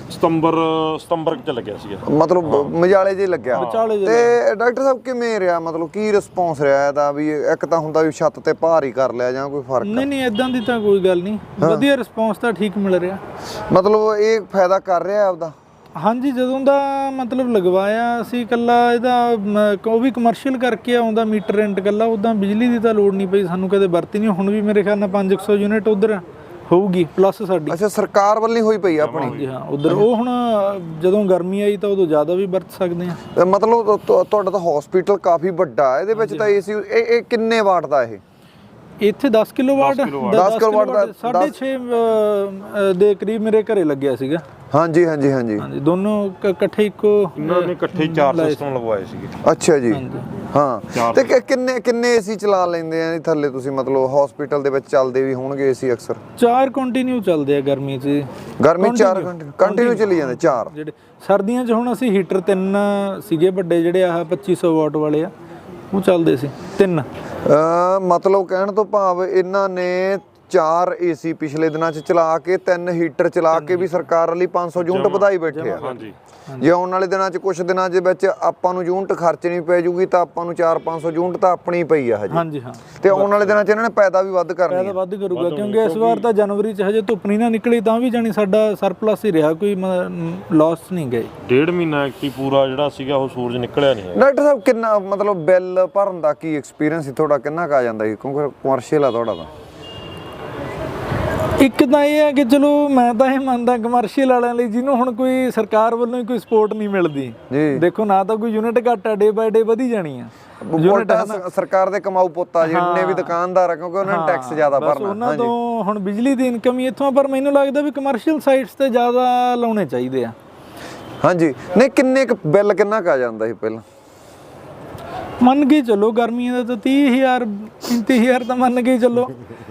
S2: ਸਤੰਬਰ ਚ ਲੱਗਿਆ ਸੀਗਾ।
S1: ਮਤਲਬ ਮਜਾਲੇ ਜੇ ਲੱਗਿਆ। ਤੇ ਡਾਕਟਰ ਸਾਹਿਬ ਕਿਵੇਂ ਰਿਹਾ, ਮਤਲਬ ਕੀ ਰਿਸਪੌਂਸ ਰਿਹਾ ਇਹਦਾ? ਵੀ ਇੱਕ ਤਾਂ ਹੁੰਦਾ ਵੀ ਛੱਤ ਤੇ ਭਾਰ ਹੀ ਕਰ ਲਿਆ ਜਾਂ ਕੋਈ ਫਰਕ?
S7: ਨਹੀਂ ਇਦਾਂ ਦੀ ਤਾਂ ਕੋਈ ਗੱਲ ਨਹੀਂ, ਵਧੀਆ ਰਿਸਪੌਂਸ ਤਾਂ ਠੀਕ ਮਿਲ ਰਿਹਾ।
S1: ਮਤਲਬ ਇਹ ਫਾਇਦਾ ਕਰ ਰਿਹਾ ਆਪਦਾ?
S7: ਹਾਂਜੀ, ਜਦੋਂ ਦਾ ਮਤਲਬ ਲਗਵਾਇਆ ਅਸੀਂ ਇਕੱਲਾ ਇਹਦਾ ਉਹ ਵੀ ਕਮਰਸ਼ੀਅਲ ਕਰਕੇ ਆਉਂਦਾ ਮੀਟਰ ਰੈਂਟ ਇਕੱਲਾ, ਉੱਦਾਂ ਬਿਜਲੀ ਦੀ ਤਾਂ ਲੋੜ ਨਹੀਂ ਪਈ ਸਾਨੂੰ, ਕਦੇ ਵਰਤੀ ਨਹੀਂ। ਹੁਣ ਵੀ ਮੇਰੇ ਖਿਆਲ ਨਾਲ 500 ਯੂਨਿਟ ਉਧਰ ਹੋਊਗੀ ਪਲੱਸ ਸਾਡੀ।
S1: ਅੱਛਾ, ਸਰਕਾਰ ਵੱਲੋਂ ਹੋਈ ਪਈ ਆਪਣੀ?
S7: ਜੀ ਹਾਂ, ਉਧਰ ਉਹ ਹੁਣ ਜਦੋਂ ਗਰਮੀ ਆਈ ਤਾਂ ਉਦੋਂ ਜ਼ਿਆਦਾ ਵੀ ਵਰਤ ਸਕਦੇ ਆ।
S1: ਮਤਲਬ ਤੁਹਾਡਾ ਤਾਂ ਹਸਪੀਟਲ ਕਾਫੀ ਵੱਡਾ, ਇਹਦੇ ਵਿੱਚ ਤਾਂ ਏਸੀ ਇਹ ਕਿੰਨੇ ਵਾਟ ਦਾ? ਇਹ
S7: ਇੱਥੇ 10 ਕਿਲੋਵਾਟ
S1: 10 ਕਿਲੋਵਾਟ ਦਾ
S7: 6.5 ਦੇ ਕਰੀਬ ਮੇਰੇ ਘਰੇ ਲੱਗਿਆ ਸੀਗਾ।
S1: ਹਾਂਜੀ ਹਾਂਜੀ ਹਾਂਜੀ
S7: ਹਾਂਜੀ, ਦੋਨੋਂ ਇਕੱਠੇ ਇੱਕੋ
S2: ਇਹਨਾਂ ਨੇ ਇਕੱਠੇ 4 ਸਿਸਟਮ ਲਗਵਾਏ ਸੀਗੇ।
S1: ਅੱਛਾ ਜੀ, ਹਾਂ। ਤੇ ਕਿੰਨੇ ਏਸੀ ਚਲਾ ਲੈਂਦੇ ਆ ਥੱਲੇ ਤੁਸੀਂ? ਮਤਲਬ ਹਸਪੀਟਲ ਦੇ ਵਿੱਚ ਚੱਲਦੇ ਵੀ ਹੋਣਗੇ ਏਸੀ ਅਕਸਰ?
S7: 4 ਕੰਟੀਨਿਊ ਚੱਲਦੇ ਆ ਗਰਮੀ 'ਚ।
S1: ਗਰਮੀ 4 ਕੰਟੀਨਿਊ ਚੱਲੀ ਜਾਂਦੇ 4?
S7: ਜਿਹੜੇ ਸਰਦੀਆਂ 'ਚ ਹੁਣ ਅਸੀਂ ਹੀਟਰ 3 ਸੀਗੇ ਵੱਡੇ, ਜਿਹੜੇ ਆਹ 2500 ਵਾਟ ਵਾਲੇ ਆ, ਉਹ ਚੱਲਦੇ ਸੀ 3।
S1: ਮਤਲਬ ਕਹਿਣ ਤੋਂ ਭਾਵ ਇਹਨਾਂ ਨੇ 4 ਏਸੀ ਪਿਛਲੇ ਦਿਨਾਂ 'ਚ ਚਲਾ ਕੇ 3 ਹੀਟਰ ਚਲਾ ਕੇ ਵੀ ਸਰਕਾਰ ਲਈ 500 ਯੂਨਿਟ ਵਧਾਈ ਬੈਠੇ ਆ।
S2: ਹਾਂਜੀ,
S1: ਜੇ ਆਉਣ ਵਾਲੇ ਦਿਨਾਂ 'ਚ ਕੁਝ ਦਿਨਾਂ ਦੇ ਵਿੱਚ ਆਪਾਂ ਨੂੰ ਯੂਨਿਟ ਖਰਚਣੀ ਪੈ ਜੂਗੀ ਤਾਂ ਆਪਾਂ ਨੂੰ 400-500 ਯੂਨਿਟ ਤਾਂ ਆਪਣੀ ਪਈ ਆ ਹਜੇ।
S7: ਹਾਂਜੀ ਹਾਂ,
S1: ਤੇ ਆਉਣ ਵਾਲੇ ਦਿਨਾਂ 'ਚ ਇਹਨਾਂ ਨੇ ਪੈਦਾ ਵੀ ਵੱਧ ਕਰਨੀ
S7: ਪੈਦਾ ਵੱਧ ਕਰੂਗਾ, ਕਿਉਂਕਿ ਇਸ ਵਾਰ ਤਾਂ ਜਨਵਰੀ 'ਚ ਹਜੇ ਧੁੱਪ ਨਹੀਂ ਨਾ ਨਿਕਲੀ, ਤਾਂ ਵੀ ਜਾਣੀ ਸਾਡਾ ਸਰਪਲਸ ਹੀ ਰਿਹਾ, ਕੋਈ ਲਾਸ ਨਹੀਂ ਗਏ।
S2: 1.5 ਮਹੀਨਾ ਐਕਟੀ ਪੂਰਾ ਜਿਹੜਾ ਸੀਗਾ ਉਹ ਸੂਰਜ ਨਿਕਲਿਆ ਨਹੀਂ ਹੈ।
S1: ਡਾਕਟਰ ਸਾਹਿਬ ਕਿੰਨਾ ਮਤਲਬ ਬਿੱਲ ਭਰਨ ਦਾ ਕੀ ਐਕਸਪੀਰੀਅੰਸ ਸੀ ਤੁਹਾਡਾ? ਕਿੰਨਾ ਕੁ ਆ ਜਾਂਦਾ ਸੀ? ਕਿਉਂਕਿ ਕਮਰਸ਼ੀਅਲ ਆ ਤੁਹਾਡਾ ਤਾਂ?
S7: ਇੱਕ ਤਾਂ ਇਹ ਹੈ ਕਿ ਚਲੋ ਮੈਂ ਤਾਂ ਇਹ ਮੰਨਦਾ ਕਮਰਸ਼ੀਅਲ ਵਾਲਿਆਂ ਲਈ ਜਿਹਨੂੰ ਹੁਣ ਕੋਈ ਸਰਕਾਰ ਵੱਲੋਂ ਹੀ ਕੋਈ ਸਪੋਰਟ ਨਹੀਂ ਮਿਲਦੀ, ਦੇਖੋ ਨਾ ਤਾਂ ਕੋਈ ਯੂਨਿਟ ਘੱਟ ਆ, ਡੇ ਬਾਏ ਡੇ ਵਧੀ ਜਾਣੀ ਆ
S1: ਸਰਕਾਰ ਦੇ ਕਮਾਊ ਪੁੱਤਾ ਜਿੰਨੇ ਵੀ ਦੁਕਾਨਦਾਰ ਆ, ਕਿਉਂਕਿ ਉਹਨਾਂ ਨੇ ਟੈਕਸ ਜ਼ਿਆਦਾ ਭਰਨਾ,
S7: ਉਹਨਾਂ ਤੋਂ ਹੁਣ ਬਿਜਲੀ ਦੀ ਇਨਕਮ ਹੀ ਇੱਥੋਂ, ਪਰ ਮੈਨੂੰ ਲੱਗਦਾ ਵੀ ਕਮਰਸ਼ੀਅਲ ਸਾਈਟਸ ਤੇ ਜ਼ਿਆਦਾ ਲਾਉਣੇ ਚਾਹੀਦੇ ਆ।
S1: ਹਾਂਜੀ, ਨਹੀਂ ਕਿੰਨੇ ਕੁ ਬਿੱਲ ਕਿੰਨਾ ਕੁ ਆ ਜਾਂਦਾ ਸੀ ਪਹਿਲਾਂ?
S7: ਮੰਨ ਕੇ ਚੱਲੋ ਗਰਮੀਆਂ ਦਾ ਤਾਂ 30,000 35,000 ਤਾਂ ਮੰਨ ਕੇ ਚੱਲੋ,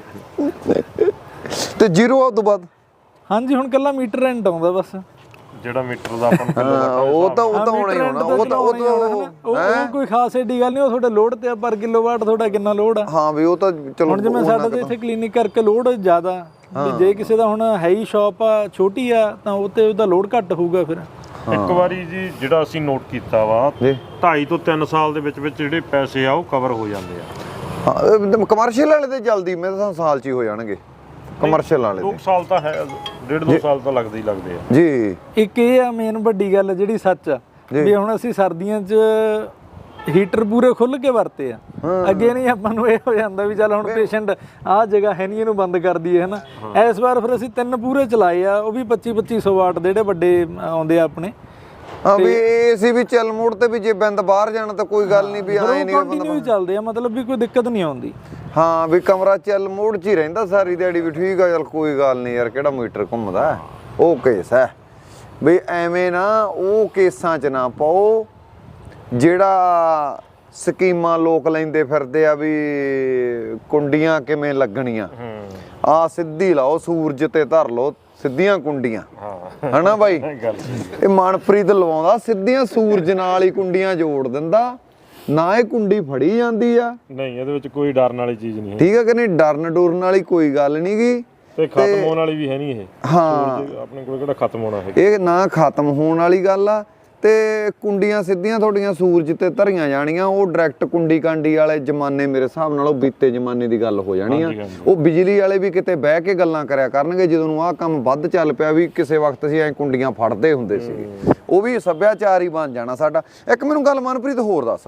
S1: ਤੇ ਜ਼ੀਰੋ ਉਸ ਤੋਂ ਬਾਅਦ?
S7: ਹਾਂਜੀ, ਹੁਣ ਕੱਲਾ ਮੀਟਰ ਰੈਂਟ ਆਉਂਦਾ ਬਸ,
S2: ਜਿਹੜਾ ਮੀਟਰ ਦਾ ਆਪਾਂ ਨੂੰ
S1: ਉਹ ਤਾਂ ਹੋਣਾ ਹੀ ਹੋਣਾ,
S7: ਉਹ ਕੋਈ ਖਾਸ ਏਡੀ ਗੱਲ ਨਹੀਂ, ਉਹ ਤੁਹਾਡੇ ਲੋਡ ਤੇ ਪਰ ਕਿਲੋਵਾਟ ਤੁਹਾਡਾ ਕਿੰਨਾ ਲੋਡ ਆ।
S1: ਹਾਂ ਵੀ ਉਹ ਤਾਂ ਚਲੋ,
S7: ਹੁਣ ਜਿਵੇਂ ਸਾਡਾ ਤੇ ਇੱਥੇ ਕਲੀਨਿਕ ਕਰਕੇ ਲੋਡ ਜ਼ਿਆਦਾ, ਵੀ ਜੇ ਕਿਸੇ ਦਾ ਹੁਣ ਹੈ ਹੀ ਸ਼ਾਪ ਆ ਛੋਟੀ ਆ ਤਾਂ ਉਹ ਤੇ ਉਹਦਾ ਲੋਡ ਘੱਟ ਹੋਊਗਾ। ਫਿਰ
S2: ਇੱਕ ਵਾਰੀ ਜੀ ਜਿਹੜਾ ਅਸੀਂ ਨੋਟ ਕੀਤਾ ਵਾ 2.5 ਤੋਂ 3 ਸਾਲ ਦੇ ਵਿੱਚ ਜਿਹੜੇ ਪੈਸੇ ਆ ਉਹ ਕਵਰ ਹੋ ਜਾਂਦੇ ਆ।
S1: ਹਾਂ, ਕਮਰਸ਼ੀਅਲ ਵਾਲੇ ਤੇ ਜਲਦੀ ਮੇਰੇ ਤਾਂ ਸਾਲ 'ਚ ਹੀ ਹੋ ਜਾਣਗੇ ਕਮਰਸ਼ੀਅਲ ਵਾਲੇ।
S2: 2 ਸਾਲ ਤਾਂ ਹੈ, 1.5-2 ਸਾਲ ਤਾਂ ਲੱਗਦੇ ਹੀ ਲੱਗਦੇ ਆ
S1: ਜੀ।
S7: ਇੱਕ ਇਹ ਆ ਮੇਨ ਵੱਡੀ ਗੱਲ ਜਿਹੜੀ ਸੱਚ ਆ, ਵੀ ਹੁਣ ਅਸੀਂ ਸਰਦੀਆਂ 'ਚ ਹੀਟਰ ਪੂਰੇ ਖੁੱਲ ਕੇ ਵਰਤੇ ਆ, ਅੱਗੇ ਨਹੀਂ ਆਪਾਂ ਨੂੰ ਇਹ ਹੋ ਜਾਂਦਾ ਵੀ ਚੱਲ ਹੁਣ ਪੇਸ਼ੈਂਟ ਆਹ ਜਗ੍ਹਾ ਹੈ ਨਹੀਂ ਇਹਨੂੰ ਬੰਦ ਕਰ ਦਈਏ, ਹਨਾ। ਇਸ ਵਾਰ ਫਿਰ ਅਸੀਂ 3 ਪੂਰੇ ਚਲਾਏ ਆ, ਉਹ ਵੀ 2500 ਵਾਟ ਦੇ ਜਿਹੜੇ ਵੱਡੇ ਆਉਂਦੇ ਆ ਆਪਣੇ।
S1: ਹਾਂ ਵੀ ਏਸੀ ਵੀ ਚੱਲ ਮੋੜ ਤੇ ਵੀ ਜੇ ਬੰਦ ਬਾਹਰ ਜਾਣਾ ਤਾਂ ਕੋਈ ਗੱਲ ਨਹੀਂ, ਵੀ ਐ ਨਹੀਂ
S7: ਕੰਟੀਨਿਊ ਚੱਲਦੇ ਆ, ਮਤਲਬ ਵੀ ਕੋਈ ਦਿੱਕਤ ਨਹੀਂ ਆਉਂਦੀ।
S1: ਹਾਂ ਵੀ ਕਮਰਾ ਚੱਲ ਮੋੜ 'ਚ ਹੀ ਰਹਿੰਦਾ ਸਾਰੀ ਦਿਹਾੜੀ, ਵੀ ਠੀਕ ਆ, ਚੱਲ ਕੋਈ ਗੱਲ ਨਹੀਂ ਯਾਰ, ਕਿਹੜਾ ਮੀਟਰ ਘੁੰਮਦਾ, ਉਹ ਕੇਸ ਹੈ ਵੀ ਐਵੇਂ ਨਾ ਉਹ ਕੇਸਾਂ 'ਚ ਨਾ ਪਾਓ ਜਿਹੜਾ ਸਕੀਮਾਂ ਲੋਕ ਲੈਂਦੇ ਫਿਰਦੇ ਆ ਵੀ ਕੁੰਡੀਆਂ ਕਿਵੇਂ ਲੱਗਣੀਆਂ, ਆ ਸਿੱਧੀ ਲਾਓ ਸੂਰਜ ਤੇ ਧਰ ਲਓ ਸਿੱਧੀਆਂ ਕੁੰਡੀਆਂ, ਹਨਾ ਬਾਈ। ਇਹ ਮਨਪ੍ਰੀਤ ਲਵਾਉਂਦਾ ਸਿੱਧੀਆਂ ਸੂਰਜ ਨਾਲ ਹੀ ਕੁੰਡੀਆਂ ਜੋੜ ਦਿੰਦਾ, ਨਾ ਇਹ ਕੁੰਡੀ ਫੜੀ ਜਾਂਦੀ ਆ,
S2: ਨਹੀਂ ਇਹਦੇ ਵਿੱਚ ਕੋਈ ਡਰਨ ਵਾਲੀ ਚੀਜ਼ ਨਹੀਂ ਹੈ,
S1: ਠੀਕ ਹੈ ਕਿ ਨਹੀਂ, ਡਰਨ ਡੁਰਨ ਵਾਲੀ ਕੋਈ ਗੱਲ ਨਹੀਂ ਗੀ,
S2: ਤੇ ਖਤਮ ਹੋਣ ਵਾਲੀ ਵੀ ਹੈ ਨਹੀਂ ਇਹ।
S1: ਹਾਂ
S2: ਆਪਣੇ ਕੋਲ ਕਿਹੜਾ ਖਤਮ ਹੋਣਾ ਹੈ,
S1: ਇਹ ਨਾ ਖਤਮ ਹੋਣ ਵਾਲੀ ਗੱਲ ਆ। ਤੇ ਕੁੰਡੀਆਂ ਸਿੱਧੀਆਂ ਤੁਹਾਡੀਆਂ ਸੂਰਜ ਤੇ ਧਰੀਆਂ ਜਾਣੀਆਂ, ਉਹ ਡਾਇਰੈਕਟ ਕੁੰਡੀ ਕਾਂਡੀ ਵਾਲੇ ਜ਼ਮਾਨੇ ਮੇਰੇ ਹਿਸਾਬ ਨਾਲ ਉਹ ਬੀਤੇ ਜ਼ਮਾਨੇ ਦੀ ਗੱਲ ਹੋ ਜਾਣੀ ਆ। ਉਹ ਬਿਜਲੀ ਵਾਲੇ ਵੀ ਕਿਤੇ ਬਹਿ ਕੇ ਗੱਲਾਂ ਕਰਿਆ ਕਰਨਗੇ, ਜਦੋਂ ਨੂੰ ਆਹ ਕੰਮ ਵੱਧ ਚੱਲ ਪਿਆ ਵੀ ਕਿਸੇ ਵਕਤ ਅਸੀਂ ਐ ਕੁੰਡੀਆਂ ਫੜਦੇ ਹੁੰਦੇ ਸੀਗੇ, ਉਹ ਵੀ ਸੱਭਿਆਚਾਰ ਹੀ ਬਣ ਜਾਣਾ ਸਾਡਾ। ਇੱਕ ਮੈਨੂੰ ਗੱਲ ਮਨਪ੍ਰੀਤ ਹੋਰ ਦੱਸ,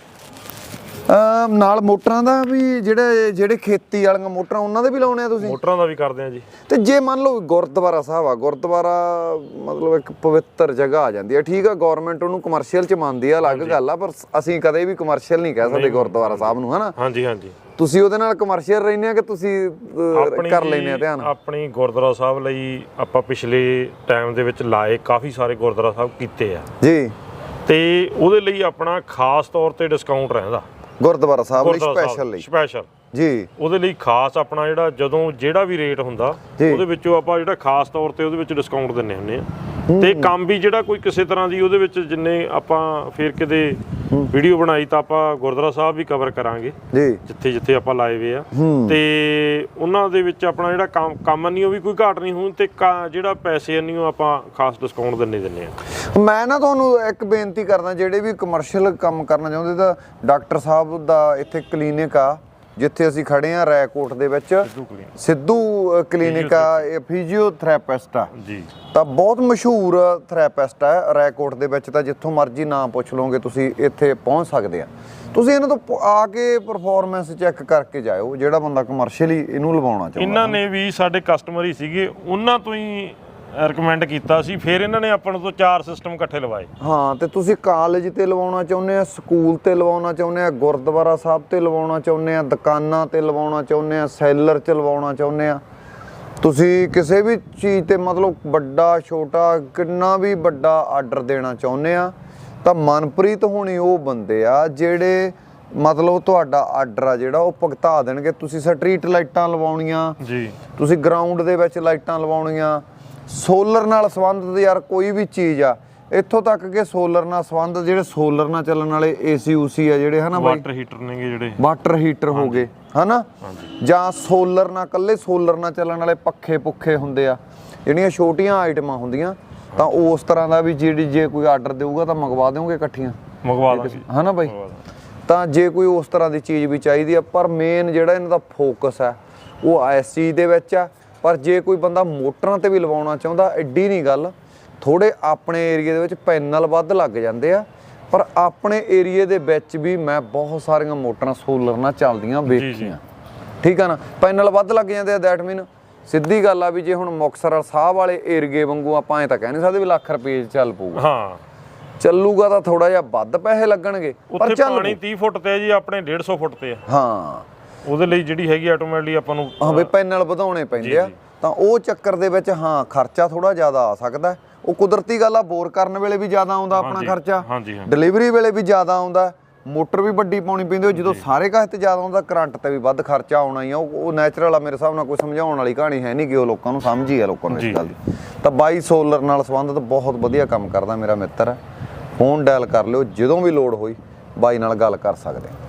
S1: ਨਾਲ ਮੋਟਰਾਂ ਦਾ ਵੀ ਜਿਹੜੇ ਖੇਤੀ ਵਾਲੀਆਂ ਮੋਟਰਾਂ ਉਹਨਾਂ ਦੇ ਵੀ ਲਾਉਣੇ ਆ ਤੁਸੀਂ?
S2: ਮੋਟਰਾਂ ਦਾ ਵੀ ਕਰਦੇ ਆ ਜੀ।
S1: ਤੇ ਜੇ ਮੰਨ ਲਓ ਗੁਰਦੁਆਰਾ ਸਾਹਿਬ ਆ, ਗੁਰਦੁਆਰਾ ਮਤਲਬ ਇੱਕ ਪਵਿੱਤਰ ਜਗ੍ਹਾ ਆ ਜਾਂਦੀ ਹੈ, ਠੀਕ ਆ, ਗਵਰਨਮੈਂਟ ਉਹਨੂੰ ਕਮਰਸ਼ੀਅਲ 'ਚ ਮੰਨਦੀ ਆ, ਅਲੱਗ ਗੱਲ ਆ, ਪਰ ਅਸੀਂ ਕਦੇ ਵੀ ਕਮਰਸ਼ੀਅਲ ਨਹੀਂ ਕਹਿ ਸਕਦੇ ਗੁਰਦੁਆਰਾ ਸਾਹਿਬ ਨੂੰ, ਹਨਾ।
S2: ਹਾਂਜੀ ਹਾਂਜੀ,
S1: ਤੁਸੀਂ ਉਹਦੇ ਨਾਲ ਕਮਰਸ਼ੀਅਲ ਰਹਿੰਦੇ ਆ ਕਿ ਤੁਸੀਂ ਕਰ ਲੈਂਦੇ ਆ ਧਿਆਨ?
S2: ਆਪਣੀ ਗੁਰਦੁਆਰਾ ਸਾਹਿਬ ਲਈ ਆਪਾਂ ਪਿਛਲੇ ਟਾਈਮ ਦੇ ਵਿੱਚ ਲਾਏ ਕਾਫੀ ਸਾਰੇ ਗੁਰਦੁਆਰਾ ਸਾਹਿਬ ਕੀਤੇ ਆ ਜੀ, ਤੇ ਉਹਦੇ ਲਈ ਆਪਣਾ ਖਾਸ ਤੌਰ ਤੇ ਡਿਸਕਾਊਂਟ ਰਹਿੰਦਾ ਗੁਰਦੁਆਰਾ ਸਾਹਿਬ ਲਈ, ਸਪੈਸ਼ਲ ਜੀ। ਉਹਦੇ ਲਈ ਖਾਸ ਆਪਣਾ ਜਿਹੜਾ ਵੀ ਰੇਟ ਹੁੰਦਾ ਉਹਦੇ ਵਿੱਚੋਂ ਆਪਾਂ ਜਿਹੜਾ ਖਾਸ ਤੌਰ ਤੇ ਉਹਦੇ ਵਿੱਚ ਡਿਸਕਾਊਂਟ ਦਿੰਨੇ ਹੁੰਦੇ ਆ। ਤੇ ਕੰਮ ਵੀ ਜਿਹੜਾ ਕੋਈ ਕਿਸੇ ਤਰ੍ਹਾਂ ਦੀ ਉਹਦੇ ਵਿੱਚ ਜਿੰਨੇ ਆਪਾਂ ਫੇਰ ਕਿਤੇ ਵੀਡੀਓ ਬਣਾਈ ਤਾਂ ਆਪਾਂ ਗੁਰਦੁਆਰਾ ਸਾਹਿਬ ਵੀ ਕਵਰ ਕਰਾਂਗੇ ਜੀ, ਜਿੱਥੇ ਜਿੱਥੇ ਆਪਾਂ ਲਾਏ ਵੇ ਆ, ਤੇ ਉਹਨਾਂ ਦੇ ਵਿੱਚ ਆਪਣਾ ਜਿਹੜਾ ਕੰਮ ਨਹੀਂ ਉਹ ਵੀ ਕੋਈ ਘਾਟ ਨਹੀਂ ਹੋਣ, ਤੇ ਜਿਹੜਾ ਪੈਸੇ ਨਹੀਂ ਉਹ ਆਪਾਂ ਖਾਸ ਡਿਸਕਾਊਂਟ ਦਿੰਨੇ ਆ।
S1: ਮੈਂ ਨਾ ਤੁਹਾਨੂੰ ਇੱਕ ਬੇਨਤੀ ਕਰਦਾ, ਜਿਹੜੇ ਵੀ ਕਮਰਸ਼ੀਅਲ ਕੰਮ ਕਰਨਾ ਚਾਹੁੰਦੇ ਤਾਂ ਡਾਕਟਰ ਸਾਹਿਬ ਦਾ ਇੱਥੇ ਕਲੀਨਿਕ ਆ ਜਿੱਥੇ ਅਸੀਂ ਖੜੇ ਆ ਰੈਕੋਟ ਦੇ ਵਿੱਚ, ਸਿੱਧੂ ਕਲੀਨਿਕ ਆ, ਇਹ ਫਿਜ਼ੀਓਥੈਰੇਪਿਸਟ ਆ ਜੀ, ਤਾਂ ਬਹੁਤ ਮਸ਼ਹੂਰ ਥੈਰੇਪਿਸਟ ਆ ਰੈਕੋਟ ਦੇ ਵਿੱਚ, ਤਾਂ ਜਿੱਥੋਂ ਮਰਜ਼ੀ ਨਾਮ ਪੁੱਛ ਲਓਗੇ ਤੁਸੀਂ ਇੱਥੇ ਪਹੁੰਚ ਸਕਦੇ ਆ। ਤੁਸੀਂ ਇਹਨਾਂ ਤੋਂ ਆ ਕੇ ਪਰਫਾਰਮੈਂਸ ਚੈੱਕ ਕਰਕੇ ਜਾਇਓ, ਜਿਹੜਾ ਬੰਦਾ ਕਮਰਸ਼ੀਅਲੀ ਇਹਨੂੰ ਲਵਾਉਣਾ ਚਾਹੁੰਦਾ।
S2: ਇਹਨਾਂ ਨੇ ਵੀ ਸਾਡੇ ਕਸਟਮਰ ਹੀ ਸੀਗੇ, ਉਹਨਾਂ ਤੋਂ ਹੀ ਰეკਮੈਂਡ ਕੀਤਾ ਸੀ, ਫਿਰ ਇਹਨਾਂ ਨੇ ਆਪਾਂ ਤੋਂ 4 ਸਿਸਟਮ ਇਕੱਠੇ ਲਵਾਏ।
S1: ਹਾਂ, ਤੇ ਤੁਸੀਂ ਕਾਲਜ ਤੇ ਲਵਾਉਣਾ ਚਾਹੁੰਦੇ ਆ, ਸਕੂਲ ਤੇ ਲਵਾਉਣਾ ਚਾਹੁੰਦੇ ਆ, ਗੁਰਦੁਆਰਾ ਸਾਹਿਬ ਤੇ ਲਵਾਉਣਾ ਚਾਹੁੰਦੇ ਆ, ਦੁਕਾਨਾਂ ਤੇ ਲਵਾਉਣਾ ਚਾਹੁੰਦੇ ਆ, ਸੈਲਰ 'ਚ ਲਵਾਉਣਾ ਚਾਹੁੰਦੇ ਆ, ਤੁਸੀਂ ਕਿਸੇ ਵੀ ਚੀਜ਼ ਤੇ ਮਤਲਬ ਵੱਡਾ ਛੋਟਾ ਕਿੰਨਾ ਵੀ ਵੱਡਾ ਆਰਡਰ ਦੇਣਾ ਚਾਹੁੰਦੇ ਆ, ਤਾਂ ਮਨਪ੍ਰੀਤ ਹੋਣੀ ਉਹ ਬੰਦੇ ਆ ਜਿਹੜੇ ਮਤਲਬ ਤੁਹਾਡਾ ਆਰਡਰ ਆ ਜਿਹੜਾ ਉਹ ਭੁਗਤਾ ਦੇਣਗੇ। ਤੁਸੀਂ ਸਟਰੀਟ ਲਾਈਟਾਂ ਲਵਾਉਣੀਆਂ ਜੀ, ਤੁਸੀਂ ਗਰਾਊਂਡ ਦੇ ਵਿੱਚ ਲਾਈਟਾਂ ਲਵਾਉਣੀਆਂ, ਸੋਲਰ ਨਾਲ ਸੰਬੰਧਿਤ ਯਾਰ ਕੋਈ ਵੀ ਚੀਜ਼ ਆ, ਇੱਥੋਂ ਤੱਕ ਕਿ ਸੋਲਰ ਨਾਲ ਸੰਬੰਧਿਤ ਜਿਹੜੇ ਸੋਲਰ ਨਾਲ ਚੱਲਣ ਵਾਲੇ ਏਸੀ ਊਸੀ ਆ ਜਿਹੜੇ, ਹਨਾ ਬਾਈ,
S2: ਵਾਟਰ ਹੀਟਰ ਨੇਗੇ ਜਿਹੜੇ,
S1: ਵਾਟਰ ਹੀਟਰ ਹੋ ਗਏ, ਹਨਾ, ਜਾਂ ਸੋਲਰ ਨਾਲ ਕੱਲੇ ਸੋਲਰ ਨਾਲ ਚੱਲਣ ਵਾਲੇ ਪੱਖੇ ਪੁੱਖੇ ਹੁੰਦੇ ਆ, ਜਿਹੜੀਆਂ ਛੋਟੀਆਂ ਆਈਟਮਾਂ ਹੁੰਦੀਆਂ, ਤਾਂ ਉਸ ਤਰ੍ਹਾਂ ਦਾ ਵੀ ਜੇ ਕੋਈ ਆਰਡਰ ਦੇਊਗਾ ਤਾਂ ਮੰਗਵਾ ਦਿਓਗੇ ਇਕੱਠੀਆਂ?
S2: ਮੰਗਵਾ ਦਾਂਗੇ,
S1: ਹਨਾ ਬਾਈ। ਤਾਂ ਜੇ ਕੋਈ ਉਸ ਤਰ੍ਹਾਂ ਦੀ ਚੀਜ਼ ਵੀ ਚਾਹੀਦੀ ਆ, ਪਰ ਮੇਨ ਜਿਹੜਾ ਇਹਨਾਂ ਦਾ ਫੋਕਸ ਆ ਉਹ ਇਸ ਚੀਜ਼ ਦੇ ਵਿੱਚ ਆ। ਪਰ ਜੇ ਕੋਈ ਬੰਦਾ ਮੋਟਰਾਂ ਤੇ ਵੀ ਲਵਾਉਣਾ ਚਾਹੁੰਦਾ, ਐਡੀ ਨਹੀਂ ਗੱਲ, ਥੋੜੇ ਆਪਣੇ ਏਰੀਏ ਦੇ ਵਿੱਚ ਪੈਨਲ ਵੱਧ ਲੱਗ ਜਾਂਦੇ ਆ, ਪਰ ਆਪਣੇ ਏਰੀਏ ਦੇ ਵਿੱਚ ਵੀ ਮੈਂ ਬਹੁਤ ਸਾਰੀਆਂ ਮੋਟਰਾਂ ਸੋਲਰ ਨਾਲ ਚੱਲਦੀਆਂ ਵੇਖੀਆਂ, ਠੀਕ ਆ ਨਾ। ਪੈਨਲ ਵੱਧ ਲੱਗ ਜਾਂਦੇ ਆ, ਦੈਟ ਮੀਨ ਸਿੱਧੀ ਗੱਲ ਆ ਵੀ ਜੇ ਹੁਣ ਮੁਕਤਸਰ ਸਾਹਿਬ ਵਾਲੇ ਏਰੀਏ ਵਾਂਗੂ ਆਪਾਂ ਐ ਤਾਂ ਕਹਿ ਨਹੀਂ ਸਕਦੇ ਵੀ ਲੱਖ ਰੁਪਏ 'ਚ ਚੱਲ ਪਊਗਾ।
S2: ਹਾਂ
S1: ਚੱਲੂਗਾ ਤਾਂ ਥੋੜਾ ਜਿਹਾ ਵੱਧ ਪੈਸੇ ਲੱਗਣਗੇ ਪਰ
S2: ਉੱਥੇ
S1: ਚੱਲ
S2: ਪਾਣੀ 30 ਫੁੱਟ ਤੇ ਹੈ ਜੀ, ਆਪਣੇ 150 ਫੁੱਟ ਤੇ ਆ।
S1: ਹਾਂ
S2: ਉਹਦੇ ਲਈ ਜਿਹੜੀ ਹੈਗੀ ਆਟੋਮੈਟਿਕਲੀ ਆਪਾਂ ਨੂੰ
S1: ਹਾਂ ਵੀ ਪੈਨਲ ਵਧਾਉਣੇ ਪੈਂਦੇ ਆ, ਤਾਂ ਉਹ ਚੱਕਰ ਦੇ ਵਿੱਚ ਹਾਂ ਖਰਚਾ ਥੋੜਾ ਜ਼ਿਆਦਾ ਆ ਸਕਦਾ। ਉਹ ਕੁਦਰਤੀ ਗੱਲ ਆ, ਬੋਰ ਕਰਨ ਵੇਲੇ ਵੀ ਜ਼ਿਆਦਾ ਆਉਂਦਾ ਆਪਣਾ ਖਰਚਾ,
S2: ਹਾਂਜੀ
S1: ਡਿਲੀਵਰੀ ਵੇਲੇ ਵੀ ਜ਼ਿਆਦਾ ਆਉਂਦਾ, ਮੋਟਰ ਵੀ ਵੱਡੀ ਪਾਉਣੀ ਪੈਂਦੀ, ਜਦੋਂ ਸਾਰੇ ਕਾਹੇ ਤੇ ਜ਼ਿਆਦਾ ਆਉਂਦਾ ਕਰੰਟ ਤੇ ਵੀ ਵੱਧ ਖਰਚਾ ਆਉਣਾ ਹੀ ਆ। ਉਹ ਨੈਚੁਰਲ ਆ ਮੇਰੇ ਹਿਸਾਬ ਨਾਲ, ਕੋਈ ਸਮਝਾਉਣ ਵਾਲੀ ਕਹਾਣੀ ਹੈ ਨਹੀਂ ਕਿ ਉਹ ਲੋਕਾਂ ਨੂੰ ਸਮਝ ਹੀ ਆ ਲੋਕਾਂ ਨੂੰ ਇਸ ਗੱਲ ਦੀ। ਤਾਂ ਬਾਈ ਸੋਲਰ ਨਾਲ ਸੰਬੰਧਿਤ ਬਹੁਤ ਵਧੀਆ ਕੰਮ ਕਰਦਾ ਮੇਰਾ ਮਿੱਤਰ ਹੈ, ਫੋਨ ਡਾਇਲ ਕਰ ਲਿਓ, ਜਦੋਂ ਵੀ ਲੋੜ ਹੋਈ ਬਾਈ ਨਾਲ ਗੱਲ ਕਰ ਸਕਦੇ।